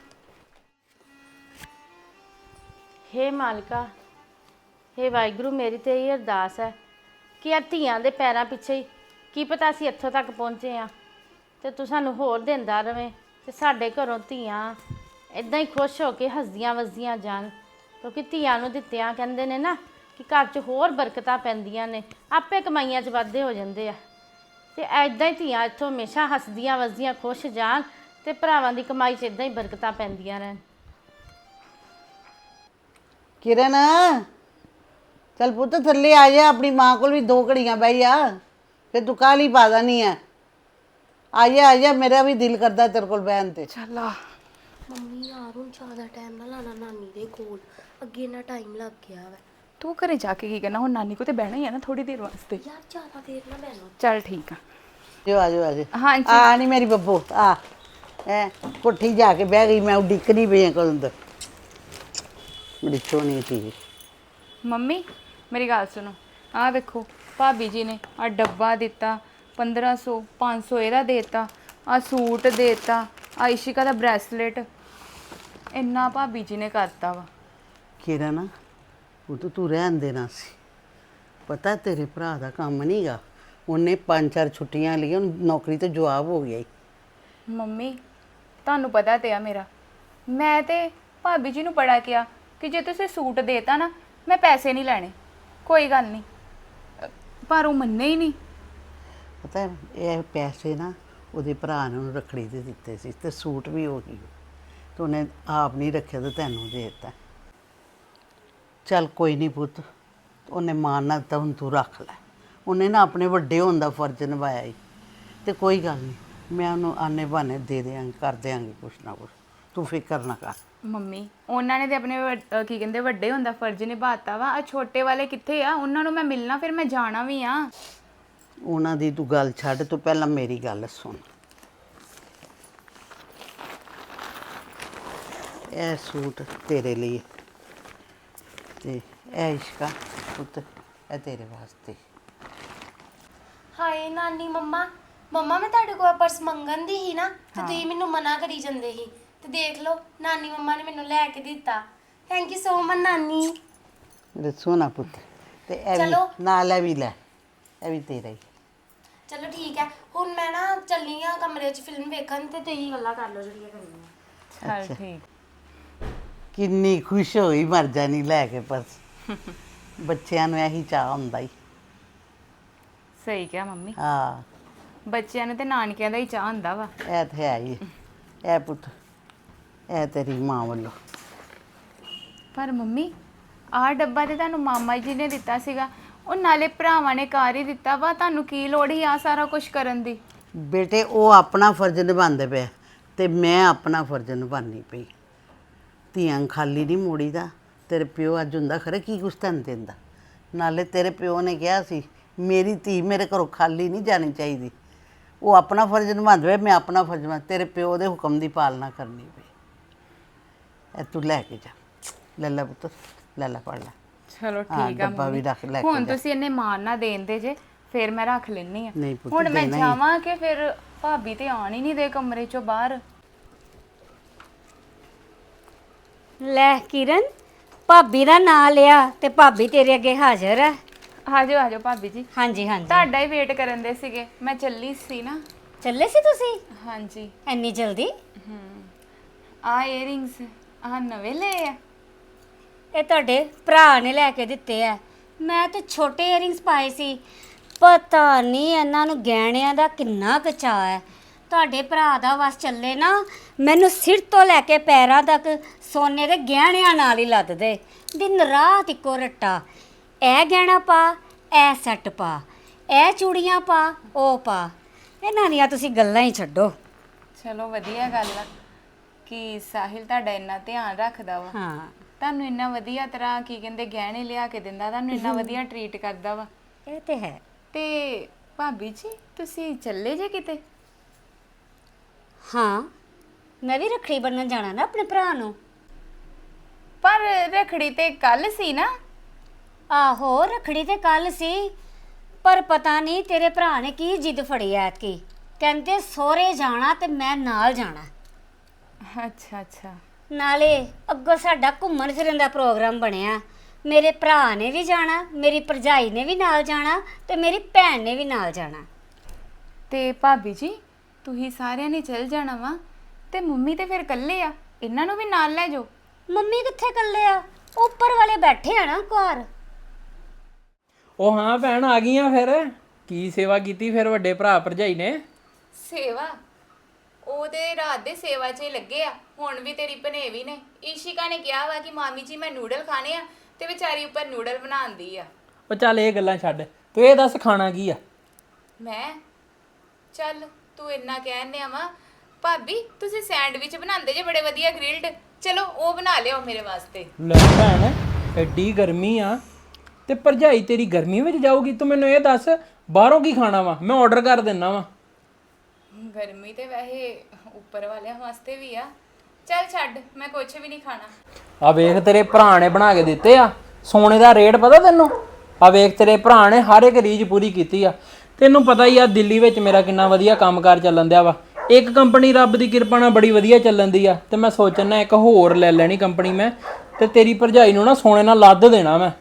Speaker 4: ਹੇ ਮਾਲਕਾ, ਹੇ ਵਾਹਿਗੁਰੂ, ਮੇਰੀ ਤੇ ਇਹ ਅਰਦਾਸ ਹੈ ਕਿ ਆ ਧੀਆਂ ਦੇ ਪੈਰਾਂ ਪਿੱਛੇ ਹੀ ਕੀ ਪਤਾ ਅਸੀਂ ਇੱਥੋਂ ਤੱਕ ਪਹੁੰਚੇ ਆ, ਤੇ ਤੂੰ ਸਾਨੂੰ ਹੋਰ ਦਿੰਦਾ ਰਵੇਂ ਤੇ ਸਾਡੇ ਘਰੋਂ ਧੀਆਂ ਇਦਾਂ ਹੀ ਖੁਸ਼ ਹੋ ਕੇ ਹੱਸਦੀਆਂ ਵਸਦੀਆਂ ਜਾਣ। ਕਿਉਂਕਿ ਧੀਆਂ ਨੂੰ ਦਿੱਤਿਆਂ ਕਹਿੰਦੇ ਨੇ ਨਾ ਕਿ ਘਰ 'ਚ ਹੋਰ ਬਰਕਤਾਂ ਪੈਂਦੀਆਂ ਨੇ, ਆਪੇ ਕਮਾਈਆਂ 'ਚ ਵਾਧੇ ਹੋ ਜਾਂਦੇ ਆ। ਤੇ ਐਦਾਂ ਹੀ ਧੀਆਂ ਇੱਥੋਂ ਹਮੇਸ਼ਾ ਹੱਸਦੀਆਂ ਵਸਦੀਆਂ ਖੁਸ਼ ਜਾਣ ਤੇ ਭਰਾਵਾਂ ਦੀ ਕਮਾਈ 'ਚ ਇਦਾਂ ਹੀ ਬਰਕਤਾਂ ਪੈਂਦੀਆਂ ਰਹਿਣ।
Speaker 6: ਕਿਰਨ, ਚੱਲ ਪੁੱਤ ਥੱਲੇ ਆ ਜਾ, ਆਪਣੀ ਮਾਂ ਕੋਲ ਵੀ ਦੋ ਘੜੀਆਂ ਬਹਿ ਜਾ, ਫਿਰ ਤੂੰ ਕਾਹਲੀ ਪਾ ਦੇਣੀ ਹੈ। ਆ ਜਾ ਆ ਜਾ, ਮੇਰਾ ਵੀ ਦਿਲ ਕਰਦਾ ਤੇਰੇ ਕੋਲ ਬਹਿਣ ਤੇ।
Speaker 3: ਚੱਲ ਆ।
Speaker 5: ਮੰਮੀ ਯਾਰ ਹੁਣ ਜ਼ਿਆਦਾ ਟਾਈਮ ਨਾ ਲਾਣਾ ਨਾਨੀ ਦੇ ਕੋਲ, ਅੱਗੇ ਨਾ ਟਾਈਮ ਲੱਗ ਗਿਆ ਵਾ।
Speaker 3: ਤੂੰ ਘਰੇ ਜਾ ਕੇ ਕੀ ਕਰਨਾ, ਹੁਣ ਨਾਨੀ ਕੋ ਤੇ ਬਹਿਣਾ ਹੀ ਆ ਨਾ ਥੋੜੀ ਦੇਰ ਵਾਸਤੇ।
Speaker 5: ਯਾਰ ਜ਼ਿਆਦਾ ਦੇਰ ਨਾ ਬਹਿਣਾ।
Speaker 3: ਚੱਲ ਠੀਕ ਆ।
Speaker 6: ਜੋ ਆ ਜਾ ਆ ਜਾ।
Speaker 3: ਹਾਂਜੀ।
Speaker 6: ਆ ਨਹੀਂ ਮੇਰੀ ਬੱਬੂ, ਆ ਐ ਕੋਠੀ ਜਾ ਕੇ ਬਹਿ ਗਈ, ਮੈਂ ਉਡੀਕਣੀ ਪਈ ਕੋਲ ਅੰਦਰ। ਬੜੀ ਸੋਹਣੀ ਸੀ।
Speaker 3: ਮੰਮੀ ਮੇਰੀ ਗੱਲ ਸੁਣੋ, ਆਹ ਵੇਖੋ ਭਾਬੀ ਜੀ ਨੇ ਆ ਡੱਬਾ ਦਿੱਤਾ, ਪੰਦਰਾਂ ਸੌ ਪੰਜ ਸੌ ਇਹਦਾ ਦੇਤਾ, ਆ ਸੂਟ ਦੇਤਾ, ਆ ਇਸ਼ਿਕਾ ਦਾ ਬ੍ਰੈਸਲੇਟ, ਇੰਨਾ ਭਾਬੀ ਜੀ ਨੇ ਕਰਤਾ ਵਾ।
Speaker 6: ਕਿਰਨ, ਉਹ ਤਾਂ ਤੂੰ ਰਹਿਣ ਦੇਣਾ ਸੀ। ਪਤਾ ਤੇਰੇ ਭਰਾ ਦਾ ਕੰਮ ਨਹੀਂਗਾ, ਉਹਨੇ ਪੰਜ ਚਾਰ ਛੁੱਟੀਆਂ ਲਈਆਂ, ਉਹਨੂੰ ਨੌਕਰੀ ਤੋਂ ਜਵਾਬ ਹੋ ਗਿਆ ਈ।
Speaker 3: ਮੰਮੀ ਤੁਹਾਨੂੰ ਪਤਾ ਤੇ ਆ ਮੇਰਾ, ਮੈਂ ਤੇ ਭਾਬੀ ਜੀ ਨੂੰ ਬੜਾ ਕਿਹਾ ਕਿ ਜੇ ਤੁਸੀਂ ਸੂਟ ਦੇਤਾ ਨਾ ਮੈਂ ਪੈਸੇ ਨਹੀਂ ਲੈਣੇ, ਕੋਈ ਗੱਲ ਨਹੀਂ, ਪਰ ਉਹ ਮੰਨੇ ਹੀ ਨਹੀਂ।
Speaker 6: ਪਤਾ ਹੈ, ਇਹ ਪੈਸੇ ਨਾ ਉਹਦੇ ਭਰਾ ਨੇ ਉਹਨੂੰ ਰੱਖੜੀ ਦੇ ਦਿੱਤੇ ਸੀ, ਤੇ ਸੂਟ ਵੀ ਉਹੀ ਤੇ ਉਹਨੇ ਆਪ ਨਹੀਂ ਰੱਖਿਆ ਤੇ ਤੈਨੂੰ ਦੇ ਦਿੱਤਾ। ਚੱਲ ਕੋਈ ਨਹੀਂ ਪੁੱਤ, ਉਹਨੇ ਮਾਣ ਨਾਲ ਤਾਂ ਹੁਣ ਤੂੰ ਰੱਖ ਲੈ, ਉਹਨੇ ਨਾ ਆਪਣੇ ਵੱਡੇ ਹੋਣ ਦਾ ਫਰਜ਼ ਨਿਭਾਇਆ ਹੀ, ਤੇ ਕੋਈ ਗੱਲ ਨਹੀਂ, ਮੈਂ ਉਹਨੂੰ ਆਨੇ ਬਹਾਨੇ ਦੇ ਦਿਆਂਗੀ, ਕਰ ਦਿਆਂਗੀ ਕੁਛ ਨਾ ਕੁਛ, ਤੂੰ ਫਿਕਰ ਨਾ ਕਰ।
Speaker 3: ਮੰਮੀ ਉਹਨਾਂ ਨੇ ਤੇ ਆਪਣੇ ਵੱਡ- ਅਹ ਕੀ ਕਹਿੰਦੇ ਵੱਡੇ ਹੋਣ ਦਾ ਫਰਜ਼ ਨਿਭਾਤਾ ਵਾ, ਆ ਛੋਟੇ ਵਾਲੇ ਕਿੱਥੇ ਆ, ਉਹਨਾਂ ਨੂੰ ਮੈਂ ਮਿਲਣਾ, ਫਿਰ ਮੈਂ ਜਾਣਾ ਵੀ ਆ।
Speaker 6: ਉਹਨਾਂ ਦੀ ਤੂੰ ਗੱਲ ਛੱਡ, ਤੂੰ ਪਹਿਲਾਂ ਮੇਰੀ ਗੱਲ ਸੁਣ। ਇਹ ਸੂਟ ਤੇਰੇ ਲਈ ਤੇ ਇਹ ਇਸ਼ਕਾ ਪੁੱਤ, ਇਹ ਤੇਰੇ ਵਾਸਤੇ।
Speaker 5: ਹਾਏ ਨਾਨੀ ਮੰਮਾ, ਮੰਮਾ ਮੈਂ ਤੁਹਾਡੇ ਕੋਲ ਪਰਸ ਮੰਗਣ ਦੀ ਹੀ ਨਾ, ਤੇ ਤੁਸੀਂ ਮੈਨੂੰ ਮਨਾ ਕਰੀ ਜਾਂਦੇ ਸੀ, ਤੇ ਦੇਖ ਲਓ ਨਾਨੀ ਮੰਮਾ ਨੇ ਮੈਨੂੰ ਲੈ ਕੇ ਦਿੱਤਾ। ਥੈਂਕ ਯੂ ਸੋ ਮਚ ਨਾਨੀ।
Speaker 6: ਮੇਰੇ ਸੋਹਣਾ ਪੁੱਤ, ਤੇ ਇਹ
Speaker 5: ਚਲੋ।
Speaker 6: ਵੀ ਨਾਲ ਇਹ ਵੀ ਲੈ, ਇਹ ਵੀ ਤੇਰਾ ਹੀ।
Speaker 5: ਚਲੋ ਠੀਕ ਹੈ, ਹੁਣ ਮੈਂ ਨਾ ਚੱਲੀ ਆ ਕਮਰੇ 'ਚ ਫਿਲਮ ਵੇਖਣ, ਤੇ ਤੁਸੀਂ ਗੱਲਾਂ ਕਰ ਲਓ ਜਿਹੜੀਆਂ ਕਰਨੀਆਂ।
Speaker 3: ਚੱਲ ਠੀਕ।
Speaker 6: ਕਿੰਨੀ ਖੁਸ਼ ਹੋਈ ਮਰ ਜਾਣੀ ਲੈ ਕੇ ਪਰਸ। ਬੱਚਿਆਂ ਨੂੰ ਇਹੀ ਚਾਹ ਹੁੰਦਾ ਹੀ।
Speaker 3: ਸਹੀ ਕਿਹਾ ਮੰਮੀ,
Speaker 6: ਹਾਂ
Speaker 3: ਬੱਚਿਆਂ ਨੂੰ ਤੇ ਨਾਨਕਿਆਂ ਦਾ ਹੀ ਚਾਹ ਹੁੰਦਾ ਵਾ।
Speaker 6: ਇਹ ਤੇ ਹੈ ਹੀ ਹੈ। ਇਹ ਪੁੱਤ, ਇਹ ਤੇਰੀ ਮਾਂ ਵੱਲੋਂ।
Speaker 3: ਪਰ ਮੰਮੀ ਆਹ ਡੱਬਾ ਤੇ ਤੁਹਾਨੂੰ ਮਾਮਾ ਜੀ ਨੇ ਦਿੱਤਾ ਸੀਗਾ, ਉਹ ਨਾਲੇ ਭਰਾਵਾਂ ਨੇ ਕਰ ਹੀ ਦਿੱਤਾ ਵਾ, ਤੁਹਾਨੂੰ ਕੀ ਲੋੜ ਹੀ ਆ ਸਾਰਾ ਕੁਝ ਕਰਨ ਦੀ।
Speaker 6: ਬੇਟੇ ਉਹ ਆਪਣਾ ਫਰਜ਼ ਨਿਭਾਉਂਦੇ ਪਏ, ਤੇ ਮੈਂ ਆਪਣਾ ਫਰਜ਼ ਨਿਭਾਉਣੀ ਪਈ। ਧੀਆਂ ਖਾਲੀ ਨਹੀਂ ਮੋੜੀਦਾ। ਤੇਰੇ ਪਿਓ ਅੱਜ ਹੁੰਦਾ ਖਰੇ ਕੀ ਕੁਛ ਤੈਨੂੰ ਦਿੰਦਾ। ਨਾਲੇ ਤੇਰੇ ਪਿਓ ਨੇ ਕਿਹਾ ਸੀ ਮੇਰੀ ਧੀ ਮੇਰੇ ਘਰੋਂ ਖਾਲੀ ਨਹੀਂ ਜਾਣੀ ਚਾਹੀਦੀ। ਉਹ ਆਪਣਾ ਫਰਜ਼ ਨਿਭਾਉਂਦੇ ਪਏ, ਮੈਂ ਆਪਣਾ ਫਰਜ਼ ਨਿਭਾ, ਤੇਰੇ ਪਿਓ ਦੇ ਹੁਕਮ ਦੀ ਪਾਲਣਾ ਕਰਨੀ ਪਈ। ਇਹ ਤੂੰ ਲੈ ਕੇ ਜਾ, ਲੈ ਲੈ ਪੁੱਤ, ਲੈ ਲੈ ਪੜ ਲੈ।
Speaker 3: ਚਲੋ
Speaker 6: ਹਾਂ,
Speaker 3: ਠੀਕ ਆ
Speaker 6: ਡੱਬਾ ਵੀ
Speaker 3: ਮੰਮੀ,
Speaker 6: ਰੱਖ ਲੈ ਕੇ
Speaker 3: ਹੁਣ
Speaker 6: ਜਾ।
Speaker 3: ਤੁਸੀਂ ਇੰਨੇ ਮਾਣ ਨਾ ਦੇਂਦੇ ਜੇ, ਫਿਰ ਮੈਂ ਰੱਖ ਲੈਣੀ ਆ।
Speaker 6: ਨਹੀਂ ਪੁੱਤ,
Speaker 3: ਹੁਣ ਮੈਂ
Speaker 6: ਦੇਣਾ ਹੀ।
Speaker 3: ਜਾਵਾਂ ਕਿ ਫਿਰ ਭਾਬੀ ਤੇ ਆਣ ਹੀ ਨਹੀਂ ਦੇ ਕਮਰੇ ਚੋਂ ਬਾਹਰ।
Speaker 1: ਲੈ ਕਿਰਨ, ਭਾਬੀ ਦਾ ਨਾਂ ਲਿਆ ਤੇ ਭਾਬੀ ਤੇਰੇ ਅੱਗੇ ਹਾਜ਼ਰ ਹੈ।
Speaker 3: ਆਜੋ ਆਜੋ ਭਾਬੀ ਜੀ,
Speaker 1: ਹਾਂਜੀ ਹਾਂਜੀ।
Speaker 3: ਤੁਹਾਡਾ ਹੀ ਵੇਟ ਕਰਨ ਦੇ ਸੀਗੇ, ਮੈਂ ਚੱਲੀ ਸੀ ਨਾ।
Speaker 1: ਚੱਲੇ ਸੀ ਤੁਸੀਂ
Speaker 3: ਹਾਂਜੀ।
Speaker 1: ਇੰਨੀ ਜਲਦੀ?
Speaker 3: ਆ ਏਅਰਿੰਗਸ ਆ ਨਵੇਂ ਲਏ ਆ?
Speaker 1: ਇਹ ਤੁਹਾਡੇ ਭਰਾ ਨੇ ਲੈ ਕੇ ਦਿੱਤੇ ਆ। ਮੈਂ ਤੇ ਛੋਟੇ ਇਅਰਿੰਗਸ ਪਾਏ ਸੀ, ਪਤਾ ਨਹੀਂ ਇਹਨਾਂ ਨੂੰ ਗਹਿਣਿਆਂ ਦਾ ਕਿੰਨਾ ਕੁ ਚਾਅ ਹੈ। ਤੁਹਾਡੇ ਭਰਾ ਦਾ ਵਸ ਚੱਲੇ ਨਾ, ਮੈਨੂੰ ਸਿਰ ਤੋਂ ਲੈ ਕੇ ਪੈਰਾਂ ਤੱਕ ਸੋਨੇ ਦੇ ਗਹਿਣਿਆਂ ਨਾਲ ਹੀ ਲੱਦ ਦੇ। ਦਿਨ ਰਾਤ ਇੱਕੋ ਰੱਟਾ, ਇਹ ਗਹਿਣਾ ਪਾ, ਇਹ ਸੈੱਟ ਪਾ, ਇਹ ਚੂੜੀਆਂ ਪਾ, ਉਹ ਪਾ। ਇਹਨਾਂ ਦੀਆਂ ਤੁਸੀਂ ਗੱਲਾਂ ਹੀ ਛੱਡੋ।
Speaker 3: ਚਲੋ ਵਧੀਆ ਗੱਲ ਆ ਕਿ ਸਾਹਿਲ ਤੁਹਾਡਾ ਇੰਨਾ ਧਿਆਨ ਰੱਖਦਾ ਵਾ
Speaker 1: ਹਾਂ
Speaker 3: ਤੁਹਾਨੂੰ ਇੰਨਾ ਵਧੀਆ ਤਰ੍ਹਾਂ ਕੀ ਕਹਿੰਦੇ ਗਹਿਣੇ ਲਿਆ ਕੇ ਦਿੰਦਾ, ਤੁਹਾਨੂੰ ਇੰਨਾ ਵਧੀਆ ਟਰੀਟ ਕਰਦਾ ਵਾ।
Speaker 1: ਇਹ ਤੇ ਹੈ।
Speaker 3: ਤੇ ਭਾਬੀ ਜੀ ਤੁਸੀਂ ਚੱਲੇ ਜੇ ਕਿਤੇ?
Speaker 1: ਹਾਂ ਮੈਂ ਵੀ ਰੱਖੜੀ ਬੰਨਣ ਜਾਣਾ ਨਾ ਆਪਣੇ ਭਰਾ ਨੂੰ।
Speaker 3: ਪਰ ਰਖੜੀ ਤੇ ਕੱਲ ਸੀ ਨਾ।
Speaker 1: ਆਹੋ ਰੱਖੜੀ ਤੇ ਕੱਲ ਸੀ, ਪਰ ਪਤਾ ਨਹੀਂ ਤੇਰੇ ਭਰਾ ਨੇ ਕੀ ਜਿੱਦ ਫੜੀ ਐਤਕੀ। ਕਹਿੰਦੇ ਸਹੁਰੇ ਜਾਣਾ ਤੇ ਮੈਂ ਨਾਲ ਜਾਣਾ।
Speaker 3: ਅੱਛਾ ਅੱਛਾ।
Speaker 1: ਨਾਲੇ ਅੱਗੋਂ ਸਾਡਾ ਘੁੰਮਣ ਫਿਰਨ ਦਾ ਪ੍ਰੋਗਰਾਮ ਬਣਿਆ। ਮੇਰੇ ਭਰਾ ਨੇ ਵੀ ਜਾਣਾ, ਮੇਰੀ ਭਰਜਾਈ ਨੇ ਵੀ ਨਾਲ ਜਾਣਾ ਤੇ ਮੇਰੀ ਭੈਣ ਨੇ ਵੀ ਨਾਲ ਜਾਣਾ।
Speaker 3: ਤੇ ਭਾਬੀ ਜੀ ਤੁਸੀਂ ਸਾਰਿਆਂ ਨੇ ਚੱਲ ਜਾਣਾ ਵਾ ਤੇ ਮੰਮੀ ਤੇ ਫਿਰ ਇਕੱਲੇ ਆ, ਇਹਨਾਂ ਨੂੰ ਵੀ ਨਾਲ ਲੈ ਜਾਓ।
Speaker 1: ਮੰਮੀ ਕਿੱਥੇ ਇਕੱਲੇ ਆ? ਉੱਪਰ ਵਾਲੇ ਬੈਠੇ ਆ ਨਾ ਘਰ।
Speaker 2: ਉਹ ਹਾਂ ਭੈਣ ਆ ਗਈਆਂ ਫਿਰ। ਕੀ ਸੇਵਾ ਕੀਤੀ ਫਿਰ ਵੱਡੇ ਭਰਾ ਭਰਜਾਈ ਨੇ?
Speaker 3: ਸੇਵਾ ਉਹਦੇ ਰਾਤ ਦੇ ਸੇਵਾ 'ਚ ਹੀ ਲੱਗੇ ਆ। ਹੁਣ ਵੀ ਤੇਰੀ ਭਨੇਵੀ ਨੇ ਈਸ਼ਿਕਾ ਨੇ ਕਿਹਾ ਵਾ ਕਿ ਮਾਮੀ ਜੀ ਮੈਂ ਨੂਡਲ ਖਾਣੇ ਆ ਤੇ ਵਿਚਾਰੀ ਉੱਪਰ ਨੂਡਲ ਬਣਾਉਂਦੀ ਆ।
Speaker 2: ਉਹ ਚੱਲ ਇਹ ਗੱਲਾਂ ਛੱਡ, ਤੂੰ ਇਹ ਦੱਸ ਖਾਣਾ ਕੀ ਆ?
Speaker 3: ਮੈਂ ਚੱਲ ਤੂੰ ਇੰਨਾ ਕਹਿੰਦੇ ਆ ਵਾ ਭਾਬੀ ਤੁਸੀਂ ਸੈਂਡਵਿਚ ਬਣਾਉਂਦੇ ਜੇ ਬੜੇ ਵਧੀਆ ਗ੍ਰਿਲਡ, ਚਲੋ ਉਹ ਬਣਾ ਲਿਓ ਮੇਰੇ ਵਾਸਤੇ।
Speaker 2: ਲੈ ਭੈਣ ਐਡੀ ਗਰਮੀ ਆ ਤੇ ਭਰਜਾਈ ਤੇਰੀ ਗਰਮੀ ਵਿੱਚ ਜਾਊਗੀ? ਤੂੰ ਮੈਨੂੰ ਇਹ ਦੱਸ ਬਾਹਰੋਂ ਕੀ ਖਾਣਾ ਵਾ, ਮੈਂ ਆਰਡਰ ਕਰ ਦਿੰਨਾ ਵਾ।
Speaker 3: ਗਰਮੀ ਤੇ ਵੈਸੇ ਉੱਪਰ ਵਾਲਿਆਂ ਵਾਸਤੇ ਵੀ ਆ। ਚੱਲ ਛੱਡ, ਮੈਂ ਕੁਝ ਵੀ ਨਹੀਂ ਖਾਣਾ।
Speaker 2: ਆ ਵੇਖ ਤੇਰੇ ਭਰਾ ਨੇ ਬਣਾ ਕੇ ਦਿੱਤੇ ਆ। ਸੋਨੇ ਦਾ ਰੇਟ ਪਤਾ ਤੈਨੂੰ? ਆ ਵੇਖ ਤੇਰੇ ਭਰਾ ਨੇ ਹਰ ਇੱਕ ਰੀਝ ਪੂਰੀ ਕੀਤੀ ਆ। ਤੈਨੂੰ ਪਤਾ ਹੀ ਆ ਦਿੱਲੀ ਵਿੱਚ ਮੇਰਾ ਕਿੰਨਾ ਵਧੀਆ ਕੰਮਕਾਰ ਚੱਲਣ ਦਿਆ ਵਾ। ਇੱਕ ਕੰਪਨੀ ਰੱਬ ਦੀ ਕਿਰਪਾ ਨਾਲ ਬੜੀ ਵਧੀਆ ਚੱਲਣ ਦੀ ਆ ਤੇ ਮੈਂ ਸੋਚਣਾ ਇੱਕ ਹੋਰ ਲੈ ਲੈਣੀ ਕੰਪਨੀ ਮੈਂ, ਤੇ ਤੇਰੀ ਭਰਜਾਈ ਨੂੰ ਨਾ ਸੋਨੇ ਨਾਲ ਲੱਦ ਦੇਣਾ ਮੈਂ।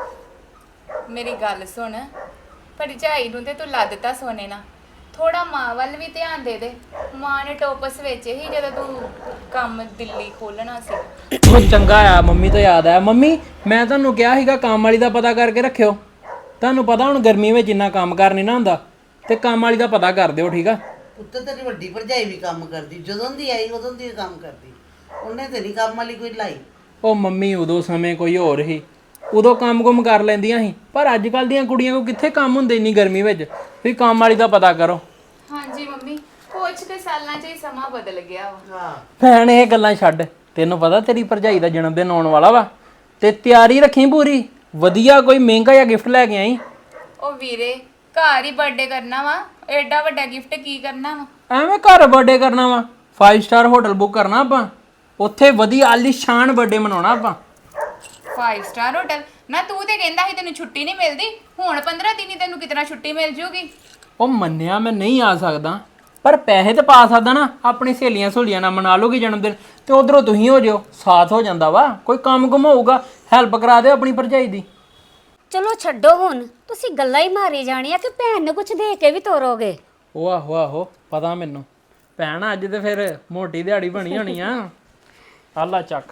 Speaker 3: ਮੇਰੀ ਗੱਲ ਸੁਣ, ਭਰਜਾਈ ਨੂੰ ਤੇ ਤੂੰ ਲੱਦਤਾ ਸੋਨੇ ਨਾਲ, ਥੋੜਾ ਮਾਂ ਵੱਲ ਵੀ ਧਿਆਨ ਦੇ ਦੇ। ਮਾਂ ਨੇ ਟੋਪਸ ਵਿੱਚ ਹੀ ਜਦੋਂ ਤੂੰ ਕੰਮ ਦਿੱਲੀ ਖੋਲਣਾ ਸੀ।
Speaker 2: ਉਹ ਚੰਗਾ ਆ, ਮੰਮੀ ਤੋਂ ਯਾਦ ਆਇਆ। ਮੰਮੀ ਮੈਂ ਤੁਹਾਨੂੰ ਕਿਹਾ ਸੀਗਾ ਕੰਮ ਵਾਲੀ ਦਾ ਪਤਾ ਕਰਕੇ ਰੱਖਿਓ। ਤੁਹਾਨੂੰ ਪਤਾ ਹੁਣ ਗਰਮੀ ਵਿੱਚ ਇੰਨਾ ਕੰਮ ਕਰ ਨਹੀਂ ਨਾ ਹੁੰਦਾ, ਤੇ ਕੰਮ ਵਾਲੀ ਦਾ ਪਤਾ ਕਰ ਦਿਓ, ਠੀਕ ਆ?
Speaker 6: ਉੱਤੇ ਤੇਰੀ ਵੱਡੀ ਭਰਜਾਈ ਵੀ ਕੰਮ ਕਰਦੀ, ਜਦੋਂ ਦੀ ਆਈ ਉਦੋਂ ਦੀ ਕੰਮ ਕਰਦੀ। ਉਹਨੇ ਤੇ ਨਹੀਂ ਕੰਮ ਵਾਲੀ ਕੋਈ ਲਾਈ।
Speaker 2: ਉਹ ਮੰਮੀ ਉਦੋਂ ਸਮੇਂ ਕੋਈ ਹੋਰ ਸੀ, ਉਦੋਂ ਕੰਮ-ਕੁਮ ਕਰ ਲੈਂਦੀਆਂ ਸੀ, ਪਰ ਅੱਜ ਕੱਲ ਦੀਆਂ ਕੁੜੀਆਂ ਕੋ ਕਿੱਥੇ ਕੰਮ ਹੁੰਦੇ ਇੰਨੀ ਗਰਮੀ ਵਿੱਚ। ਵੀ ਕੰਮ ਵਾਲੀ ਦਾ ਪਤਾ ਕਰੋ।
Speaker 3: ਹਾਂਜੀ ਮੰਮੀ, ਕੁਝ ਕੁ ਸਾਲਾਂ 'ਚ ਹੀ ਸਮਾਂ ਬਦਲ ਗਿਆ ਵਾ।
Speaker 6: ਹਾਂ
Speaker 2: ਭੈਣ ਇਹ ਗੱਲਾਂ ਛੱਡ, ਤੈਨੂੰ ਪਤਾ ਤੇਰੀ ਭਰਜਾਈ ਦਾ ਜਨਮ ਦਿਨ ਆਉਣ ਵਾਲਾ ਵਾ, ਤੇ ਤਿਆਰੀ ਰੱਖੀ ਪੂਰੀ ਵਧੀਆ, ਕੋਈ ਮਹਿੰਗਾ ਜਿਹਾ ਗਿਫਟ ਲੈ ਕੇ ਆਈ।
Speaker 3: ਉਹ ਵੀਰੇ ਘਰ ਹੀ ਬਰਥਡੇ ਕਰਨਾ ਵਾ, ਐਡਾ ਵੱਡਾ ਗਿਫਟ ਕੀ ਕਰਨਾ ਵਾ?
Speaker 2: ਐਵੇਂ ਘਰ ਬਰਥਡੇ ਕਰਨਾ ਵਾ? ਫਾਈਵ ਸਟਾਰ ਹੋਟਲ ਬੁੱਕ ਕਰਨਾ ਆਪਾਂ, ਉੱਥੇ ਵਧੀਆ ਆਲੀਸ਼ਾਨ ਬਰਥਡੇ ਮਨਾਉਣਾ ਆਪਾਂ।
Speaker 3: Five star hotel? ਨਾ ਤੂੰ ਤੇ ਕਹਿੰਦਾ ਸੀ ਤੈਨੂੰ ਛੁੱਟੀ ਨਹੀਂ ਮਿਲਦੀ, ਹੁਣ ਪੰਦਰਾਂ ਦਿਨ ਹੀ ਤੈਨੂੰ ਕਿਤਨਾ ਛੁੱਟੀ ਮਿਲ ਜੂਗੀ?
Speaker 2: ਉਹ ਮੰਨਿਆ ਮੈਂ ਨਹੀਂ ਆ ਸਕਦਾ, ਪਰ ਪੈਸੇ ਤੇ ਪਾ ਸਕਦਾ ਨਾ। ਆਪਣੀ ਸਹੇਲੀਆਂ ਸਹੂਲੀਆਂ ਨਾਲ ਮਨਾ ਲਓਗੀ ਜਨਮ ਦਿਨ, ਤੇ ਉਧਰੋਂ ਤੁਸੀਂ ਹੋ ਜਿਓ, ਸਾਥ ਹੋ ਜਾਂਦਾ ਵਾ। ਕੋਈ ਕੰਮ ਕੁਮ ਹੋਊਗਾ ਹੈਲਪ ਕਰਾ ਦਿਓ ਆਪਣੀ ਭਰਜਾਈ ਦੀ।
Speaker 1: ਚਲੋ ਛੱਡੋ ਹੁਣ, ਤੁਸੀਂ ਗੱਲਾਂ ਹੀ ਮਾਰੀ ਜਾਣੀਆਂ ਕਿ ਭੈਣ ਨੂੰ ਕੁਝ ਦੇ ਕੇ ਵੀ ਤੋਰੋਗੇ।
Speaker 2: ਉਹ ਆਹੋ ਆਹੋ ਪਤਾ ਮੈਨੂੰ। ਭੈਣ ਅੱਜ ਤੇ ਫਿਰ ਮੋਟੀ ਦਿਹਾੜੀ ਬਣੀ ਹੋਣੀ ਆ। ਆਲਾ ਚੱਕ।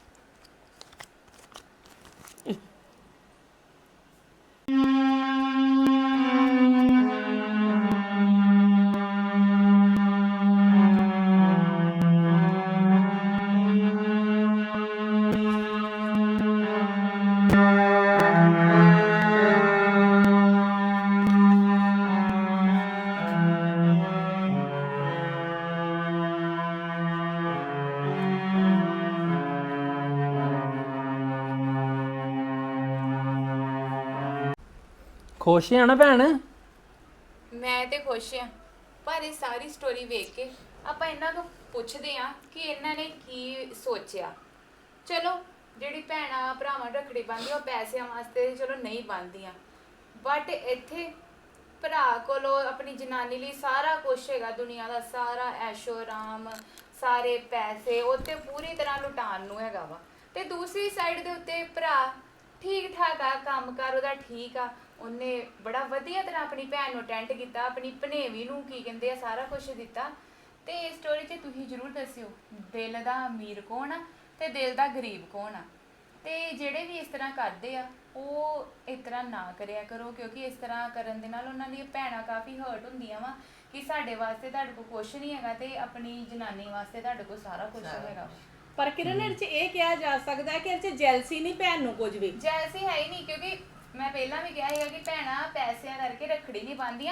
Speaker 2: ਖੁਸ਼ ਆ ਨਾ ਭੈਣ?
Speaker 3: ਮੈਂ ਤੇ ਖੁਸ਼ ਆ, ਪਰ ਇਹ ਸਾਰੀ ਸਟੋਰੀ ਵੇਖ ਕੇ ਆਪਾਂ ਇਹਨਾਂ ਨੂੰ ਪੁੱਛਦੇ ਆ ਕਿ ਇਹਨਾਂ ਨੇ ਕੀ ਸੋਚਿਆ। ਚਲੋ ਜਿਹੜੀ ਭੈਣਾਂ ਭਰਾਵਾਂ ਰੱਖੜੀ ਬੰਨ੍ਹਦੀਆਂ ਉਹ ਪੈਸਿਆਂ ਵਾਸਤੇ ਚਲੋ ਨਹੀਂ ਬੰਨ੍ਹਦੀਆਂ, ਬਟ ਇੱਥੇ ਭਰਾ ਕੋਲੋਂ ਆਪਣੀ ਜਨਾਨੀ ਲਈ ਸਾਰਾ ਕੁਝ ਹੈਗਾ, ਦੁਨੀਆ ਦਾ ਸਾਰਾ ਐਸ਼ੋ ਆਰਾਮ, ਸਾਰੇ ਪੈਸੇ ਉੱਤੇ ਪੂਰੀ ਤਰ੍ਹਾਂ ਲੁਟਾਉਣ ਨੂੰ ਹੈਗਾ ਵਾ। ਤੇ ਦੂਸਰੀ ਸਾਈਡ ਦੇ ਉੱਤੇ ਭਰਾ ਠੀਕ ਠਾਕ ਆ, ਕੰਮਕਾਰ ਉਹਦਾ ਠੀਕ ਆ, ਉਹਨੇ ਬੜਾ ਵਧੀਆ ਤਰ੍ਹਾਂ ਆਪਣੀ ਭੈਣ ਨੂੰ ਅਟੈਂਡ ਕੀਤਾ, ਆਪਣੀ ਭਣੇਵੀ ਨੂੰ ਕੀ ਕਹਿੰਦੇ ਆ ਸਾਰਾ ਕੁਝ ਦਿੱਤਾ। ਤੇ ਇਸ ਸਟੋਰੀ 'ਚ ਤੁਸੀਂ ਜ਼ਰੂਰ ਦੱਸਿਓ ਦਿਲ ਦਾ ਅਮੀਰ ਕੌਣ ਆ ਤੇ ਦਿਲ ਦਾ ਗਰੀਬ ਕੌਣ ਆ। ਤੇ ਜਿਹੜੇ ਵੀ ਇਸ ਤਰ੍ਹਾਂ ਕਰਦੇ ਆ ਉਹ ਇਸ ਤਰ੍ਹਾਂ ਨਾ ਕਰਿਆ ਕਰੋ, ਕਿਉਂਕਿ ਇਸ ਤਰ੍ਹਾਂ ਕਰਨ ਦੇ ਨਾਲ ਉਹਨਾਂ ਦੀਆਂ ਭੈਣਾਂ ਕਾਫੀ ਹਰਟ ਹੁੰਦੀਆਂ ਵਾ ਕਿ ਸਾਡੇ ਵਾਸਤੇ ਤੁਹਾਡੇ ਕੋਲ ਕੁਝ ਨਹੀਂ ਹੈਗਾ ਤੇ ਆਪਣੀ ਜਨਾਨੀ ਵਾਸਤੇ ਤੁਹਾਡੇ ਕੋਲ ਸਾਰਾ ਕੁਝ ਹੈਗਾ।
Speaker 7: ਪਰ ਕਿਰਨ ਇਹ 'ਚ ਇਹ ਕਿਹਾ ਜਾ ਸਕਦਾ ਹੈ ਕਿ ਇਹ 'ਚ ਜੈਲਸੀ ਨਹੀਂ ਭੈਣ ਨੂੰ ਕੁਝ ਵੀ।
Speaker 3: ਜੈਲਸੀ ਹੈ ਹੀ ਨਹੀਂ, ਕਿਉਂਕਿ ਮੈਂ ਪਹਿਲਾਂ ਵੀ ਕਿਹਾ ਸੀਗਾ ਕਿ ਭੈਣਾਂ ਪੈਸਿਆਂ ਕਰਕੇ ਰੱਖੜੀ ਨਹੀਂ ਬੰਨ੍ਹਦੀਆਂ,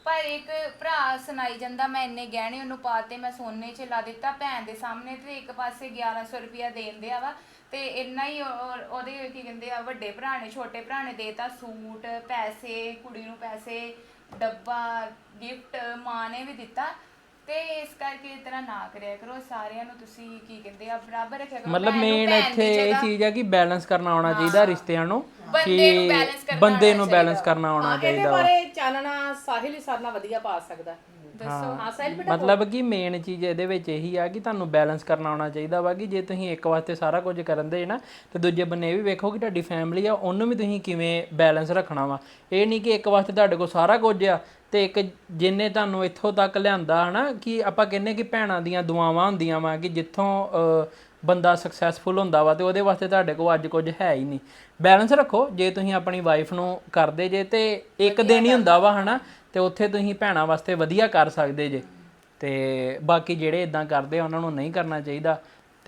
Speaker 3: ਪਰ ਇੱਕ ਭਰਾ ਸੁਣਾਈ ਜਾਂਦਾ ਮੈਂ ਇੰਨੇ ਗਹਿਣੇ ਉਹਨੂੰ ਪਾਤੇ, ਮੈਂ ਸੋਨੇ 'ਚ ਲਾ ਦਿੱਤਾ ਭੈਣ ਦੇ ਸਾਹਮਣੇ, ਤੇ ਇੱਕ ਪਾਸੇ ਗਿਆਰਾਂ ਸੌ ਰੁਪਇਆ ਦੇਣ ਦਿਆ ਵਾ, ਤੇ ਇੰਨਾ ਹੀ ਉਹ- ਉਹਦੇ ਕੀ ਕਹਿੰਦੇ ਆ ਵੱਡੇ ਭਰਾ ਨੇ ਛੋਟੇ ਭਰਾ ਨੇ ਦੇਤਾ ਸੂਟ, ਪੈਸੇ, ਕੁੜੀ ਨੂੰ ਪੈਸੇ, ਡੱਬਾ, ਗਿਫਟ, ਮਾਂ ਨੇ ਵੀ ਦਿੱਤਾ। ਤੇ ਇਸ ਕਰਕੇ ਇਸ ਤਰ੍ਹਾਂ ਨਾ ਕਰਿਆ ਕਰੋ, ਸਾਰਿਆਂ ਨੂੰ ਤੁਸੀਂ ਕੀ ਕਹਿੰਦੇ ਆ ਬਰਾਬਰ ਰੱਖਿਆ ਕਰੋ।
Speaker 2: ਮਤਲਬ
Speaker 3: ਭੈਣ ਨੂੰ
Speaker 2: ਮੇਨ
Speaker 3: ਭੈਣ ਦੀ
Speaker 2: ਇੱਥੇ ਇਹ
Speaker 3: ਜਗ੍ਹਾ
Speaker 2: ਚੀਜ਼ ਹੈ ਕਿ ਬੈਲੈਂਸ ਕਰਨਾ ਆਉਣਾ ਚਾਹੀਦਾ ਰਿਸ਼ਤਿਆਂ ਨੂੰ,
Speaker 3: ਬੰਦੇ ਨੂੰ
Speaker 2: ਕਿ
Speaker 3: balance ਕਰਨਾ
Speaker 2: ਬੰਦੇ
Speaker 3: ਆਉਣਾ
Speaker 2: ਨੂੰ
Speaker 3: ਚਾਹੀਦਾ।
Speaker 2: ਬੈਲੈਂਸ ਕਰਨਾ ਆਉਣਾ
Speaker 7: ਇਹਦੇ
Speaker 2: ਚਾਹੀਦਾ ਵਾ।
Speaker 7: ਬਾਰੇ ਚਾਨਣਾ ਸਾਹਿਲ ਹੀ ਸਾਰਨਾ ਵਧੀਆ ਪਾ ਸਕਦਾ। ਦੱਸੋ ਹਾਂ ਸਾਹਿਲ ਬੇਟਾ।
Speaker 2: ਮਤਲਬ ਕਿ ਮੇਨ ਚੀਜ਼ ਇਹਦੇ ਵਿੱਚ ਇਹੀ ਆ ਕਿ ਤੁਹਾਨੂੰ ਬੈਲੈਂਸ ਕਰਨਾ ਆਉਣਾ ਚਾਹੀਦਾ ਵਾ, ਕਿ ਜੇ ਤੁਸੀਂ ਇੱਕ ਵਾਸਤੇ ਸਾਰਾ ਕੁਝ ਕਰਨ ਦੇ ਨਾ ਤੇ ਦੂਜੇ ਬੰਨੇ ਇਹ ਵੀ ਵੇਖੋ ਕਿ ਤੁਹਾਡੀ ਫੈਮਿਲੀ ਆ ਉਹਨੂੰ ਵੀ ਤੁਸੀਂ ਕਿਵੇਂ ਬੈਲੈਂਸ ਰੱਖਣਾ ਵਾ। ਇਹ ਨਹੀਂ ਕਿ ਇੱਕ ਵਾਸਤੇ ਤੁਹਾਡੇ ਕੋਲ ਸਾਰਾ ਕੁਝ ਆ ਤੇ ਇੱਕ ਜਿੰਨੇ ਤੁਹਾਨੂੰ ਇੱਥੋਂ ਤੱਕ ਲਿਆਂਦਾ ਹਨਾ, ਕਿ ਆਪਾਂ ਕਹਿੰਦੇ ਕਿ ਭੈਣਾਂ ਦੀਆਂ ਦੁਆਵਾਂ ਹੁੰਦੀਆਂ ਵਾ ਕਿ ਜਿੱਥੋਂ ਅਹ, ਬੰਦਾ ਸਕਸੈਸਫੁਲ ਹੁੰਦਾ ਵਾ ਤੇ ਉਹਦੇ ਵਾਸਤੇ ਤੁਹਾਡੇ ਕੋਲ ਅੱਜ ਕੁਝ ਹੈ ਹੀ ਨਹੀਂ। ਬੈਲੈਂਸ ਰੱਖੋ, ਜੇ ਤੁਸੀਂ ਆਪਣੀ ਵਾਈਫ ਨੂੰ ਕਰਦੇ ਜੇ ਤੇ ਇੱਕ ਦਿਨ ਹੀ ਹੁੰਦਾ ਵਾ ਹਨਾ, ਤੇ ਉੱਥੇ ਤੁਸੀਂ ਭੈਣਾਂ ਵਾਸਤੇ ਵਧੀਆ ਕਰ ਸਕਦੇ ਜੇ, ਤੇ ਬਾਕੀ ਜਿਹੜੇ ਇਦਾਂ ਕਰਦੇ ਆ ਉਹਨਾਂ ਨੂੰ ਨਹੀਂ ਕਰਨਾ ਚਾਹੀਦਾ।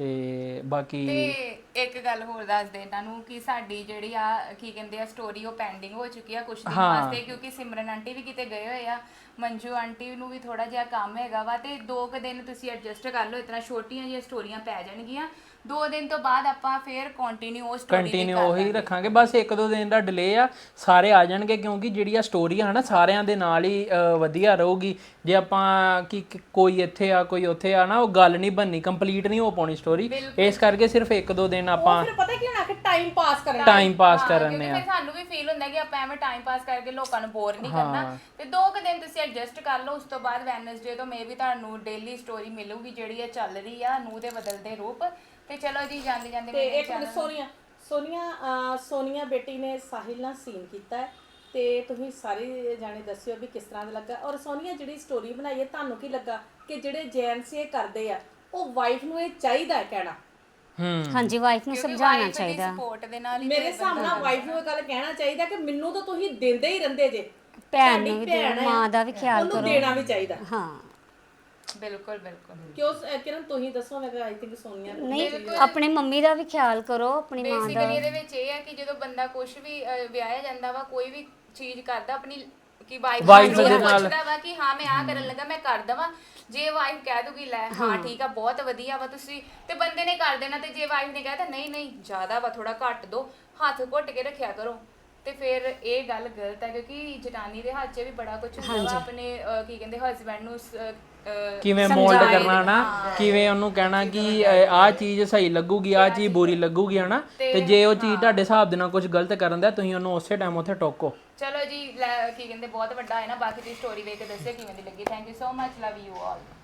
Speaker 2: ਤੇ ਬਾਕੀ
Speaker 3: ਤੇ ਇੱਕ ਗੱਲ ਹੋਰ ਦੱਸ ਦੇ ਇਹਨਾਂ ਨੂੰ ਕਿ ਸਾਡੀ ਜਿਹੜੀ ਆ ਕੀ ਕਹਿੰਦੇ ਆ ਸਟੋਰੀ ਉਹ ਪੈਂਡਿੰਗ ਹੋ ਚੁੱਕੀ ਆ ਕੁਝ ਦਿਨ ਵਾਸਤੇ, ਕਿਉਂਕਿ ਸਿਮਰਨ ਆਂਟੀ ਵੀ ਕਿਤੇ ਗਏ ਹੋਏ ਆ, ਮੰਜੂ ਆਂਟੀ ਨੂੰ ਵੀ ਥੋੜਾ ਜਿਹਾ ਕੰਮ ਹੈਗਾ ਵਾ, ਤੇ ਦੋ ਕੁ ਦਿਨ ਤੁਸੀਂ ਐਡਜਸਟ ਕਰ ਲਓ। ਇਤਨਾ ਛੋਟੀਆਂ ਜਿਹੀਆਂ ਸਟੋਰੀਆਂ ਪੈ ਜਾਣਗੀਆਂ, ਦੋ ਦਿਨ ਤੋਂ ਬਾਅਦ ਆਪਾਂ ਫੇਰ ਕੰਟੀਨਿਊ ਉਹ ਸਟੋਰੀ
Speaker 2: ਕੰਟੀਨਿਊ ਉਹੀ ਰੱਖਾਂਗੇ, ਬਸ ਇੱਕ ਦੋ ਦਿਨ ਦਾ ਡਿਲੇ ਆ, ਸਾਰੇ ਆ ਜਾਣਗੇ ਕਿਉਂਕਿ ਜਿਹੜੀ ਆ ਸਟੋਰੀ ਆ ਨਾ ਸਾਰਿਆਂ ਦੇ ਨਾਲ ਹੀ ਅਹ, ਵਧੀਆ ਰਹੂਗੀ। ਜੇ ਆਪਾਂ ਕਿ ਕਿ ਕੋਈ ਇੱਥੇ ਆ ਕੋਈ ਉੱਥੇ ਆ ਨਾ, ਉਹ ਗੱਲ ਨਹੀਂ ਬਣਨੀ, ਕੰਪਲੀਟ ਨਹੀਂ ਹੋ ਪਾਉਣੀ ਸਟੋਰੀ। ਇਸ ਕਰਕੇ ਸਿਰਫ ਇੱਕ ਦੋ ਦਿਨ ਆਪਾਂ
Speaker 7: ਫਿਰ ਪਤਾ ਕੀ ਹੋਣਾ ਕਿ ਟਾਈਮ ਪਾਸ ਕਰਨਾ।
Speaker 2: ਟਾਈਮ ਪਾਸ ਕਰਨੇ
Speaker 3: ਕਿਉਂਕਿ
Speaker 2: ਆ।
Speaker 3: ਫਿਰ ਸਾਨੂੰ ਵੀ ਫੀਲ ਹੁੰਦਾ ਕਿ ਆਪਾਂ ਐਵੇਂ ਟਾਈਮ ਪਾਸ ਕਰਕੇ ਲੋਕਾਂ ਨੂੰ ਬੋਰ ਨਹੀਂ ਕਰਨਾ, ਤੇ ਦੋ ਕੁ ਦਿਨ ਤੁਸੀਂ ਐਡਜਸਟ ਕਰ ਲਓ। ਉਸ ਤੋਂ ਬਾਅਦ ਵੈਨਸਡੇ ਤੋਂ ਮੇ ਵੀ ਤੁਹਾਨੂੰ ਡੇਲੀ ਸਟੋਰੀ ਮਿਲੂਗੀ ਜਿਹੜੀ ਇਹ ਚੱਲ ਰਹੀ ਆ ਨੂੰਹ ਦੇ ਬਦਲਦੇ ਰੂਪ। ਤੇ ਚਲੋ ਜੀ ਜਾਂਦੇ ਜਾਂਦੇ
Speaker 7: ਤੇ
Speaker 3: ਮੇਰੇ
Speaker 7: ਇੱਕ ਮਿੰਟ ਸੋਨੀਆ ਸੋਨੀਆ ਅਹ, ਸੋਨੀਆ ਬੇਟੀ ਨੇ ਸਾਹਿਲ ਨਾਲ ਸੀਨ ਕੀਤਾ ਹੈ, ਤੇ ਤੁਸੀਂ ਸਾਰੇ ਜਾਣੇ ਦੱਸਿਓ ਵੀ ਕਿਸ ਤਰ੍ਹਾਂ ਦਾ ਲੱਗਾ। ਔਰ ਸੋਨੀਆ ਜਿਹੜੀ ਸਟੋਰੀ ਬਣਾਈ ਹੈ ਤੁਹਾਨੂੰ ਕੀ ਲੱਗਾ ਕਿ ਜਿਹੜੇ ਜੈਂਟਸ ਇਹ ਕਰਦੇ ਆ ਉਹ ਵਾਈਫ ਨੂੰ ਇਹ ਚਾਹੀਦਾ ਹੈ ਕਹਿਣਾ?
Speaker 2: ਹੂੰ
Speaker 1: ਹਾਂਜੀ, ਵਾਈਫ ਨੂੰ ਸਮਝਾਉਣਾ ਚਾਹੀਦਾ।
Speaker 3: ਸਪੋਰਟ ਦੇ ਨਾਲ ਹੀ
Speaker 7: ਮੇਰੇ ਹਿਸਾਬ ਨਾਲ ਵਾਈਫ ਨੂੰ ਇਹ ਗੱਲ ਕਹਿਣਾ ਚਾਹੀਦਾ ਕਿ ਮੈਨੂੰ ਤਾਂ ਤੁਸੀਂ ਦਿੰਦੇ ਹੀ ਰਹਿੰਦੇ ਜੇ,
Speaker 1: ਭੈਣ ਨੂੰ ਵੀ ਦਿਓ, ਮਾਂ ਦਾ ਵੀ ਖਿਆਲ
Speaker 7: ਉਹਨੂੰ
Speaker 1: ਕਰੋ।
Speaker 7: ਦੇਣਾ ਵੀ ਚਾਹੀਦਾ।
Speaker 1: ਹਾਂ
Speaker 3: ਬਿਲਕੁਲ ਬਿਲਕੁਲ।
Speaker 7: ਕਿਉਂ ਕਿਰਨ ਤੁਸੀਂ ਦੱਸੋ? ਮੈਂ ਆਈ ਥਿੰਕ ਸੋਨੀਆ ਨੂੰ
Speaker 1: ਨਹੀਂ, ਆਪਣੇ ਮੰਮੀ ਦਾ ਵੀ ਖਿਆਲ ਕਰੋ, ਆਪਣੀ ਮਾਂ ਦਾ।
Speaker 3: ਬੇਸਿਕਲੀ ਇਹਦੇ ਵਿੱਚ ਇਹ ਹੈ ਕਿ ਜਦੋਂ ਬੰਦਾ ਕੁਝ ਵੀ ਅਹ, ਵਿਆਹਿਆ ਜਾਂਦਾ ਵਾ, ਕੋਈ ਵੀ ਚੀਜ਼ ਕਰਦਾ ਆਪਣੀ ਕਿ ਵਾਈਫ
Speaker 2: Wife
Speaker 3: ਨੂੰ
Speaker 2: ਦੇ ਨਾਲ।
Speaker 3: ਪੁੱਛਦਾ ਵਾ ਕਿ ਹਾਂ ਮੈਂ ਆਹ ਕਰਨ ਲੱਗਾ ਮੈਂ ਕਰ ਦਵਾਂ। ਜੇ ਵਾਈਫ ਕਹਿ ਦੂਗੀ ਲੈ ਹਾਂ ਠੀਕ ਆ ਬਹੁਤ ਵਧੀਆ ਵਾ ਤੁਸੀਂ, ਤੇ ਬੰਦੇ ਨੇ ਕਰ ਦੇਣਾ। ਤੇ ਜੇ ਵਾਈਫ ਨੇ ਕਹਿਤਾ ਨਹੀਂ ਨਹੀਂ ਜ਼ਿਆਦਾ ਵਾ ਥੋੜਾ ਘੱਟ ਦੋ, ਹੱਥ ਘੁੱਟ ਕੇ ਰੱਖਿਆ ਕਰੋ, ਤੇ ਫਿਰ ਇਹ ਗੱਲ ਗਲਤ ਹੈ। ਕਿਉਂਕਿ ਜਨਾਨੀ ਦੇ ਹੱਥ 'ਚ ਵੀ ਬੜਾ ਕੁਝ ਹੁੰਦਾ ਵਾ ਆਪਣੇ ਅਹ, ਕੀ ਕਹਿੰਦੇ ਹਸਬੈਂਡ ਨੂੰ ਸ- ਅਹ,
Speaker 2: ਕਿਵੇਂ ਮੋਲਡ ਕਰਨਾ ਨਾ, ਕਿਵੇਂ ਉਹਨੂੰ ਕਹਿਣਾ ਕਿ ਆਹ ਚੀਜ਼ ਸਹੀ ਲੱਗੂਗੀ ਆਹ ਚੀਜ਼ ਬੁਰੀ ਲੱਗੂਗੀ ਹਨਾ। ਤੇ ਜੇ ਉਹ ਚੀਜ਼ ਤੁਹਾਡੇ ਹਿਸਾਬ ਦੇ ਨਾਲ ਕੁਝ ਗਲਤ ਕਰਨ ਦਾ ਤੁਸੀਂ ਉਹਨੂੰ ਉਸੇ ਟਾਈਮ ਉੱਥੇ ਟੋਕੋ।
Speaker 3: ਚਲੋ ਜੀ ਲੈ, ਕੀ ਕਹਿੰਦੇ ਬਹੁਤ ਵੱਡਾ ਹੈ ਨਾ, ਬਾਕੀ ਦੀ ਸਟੋਰੀ ਵੇਖ ਕੇ ਦੱਸਿਓ ਕਿਵੇਂ ਦੀ ਲੱਗੀ। Thank you so much, love you all.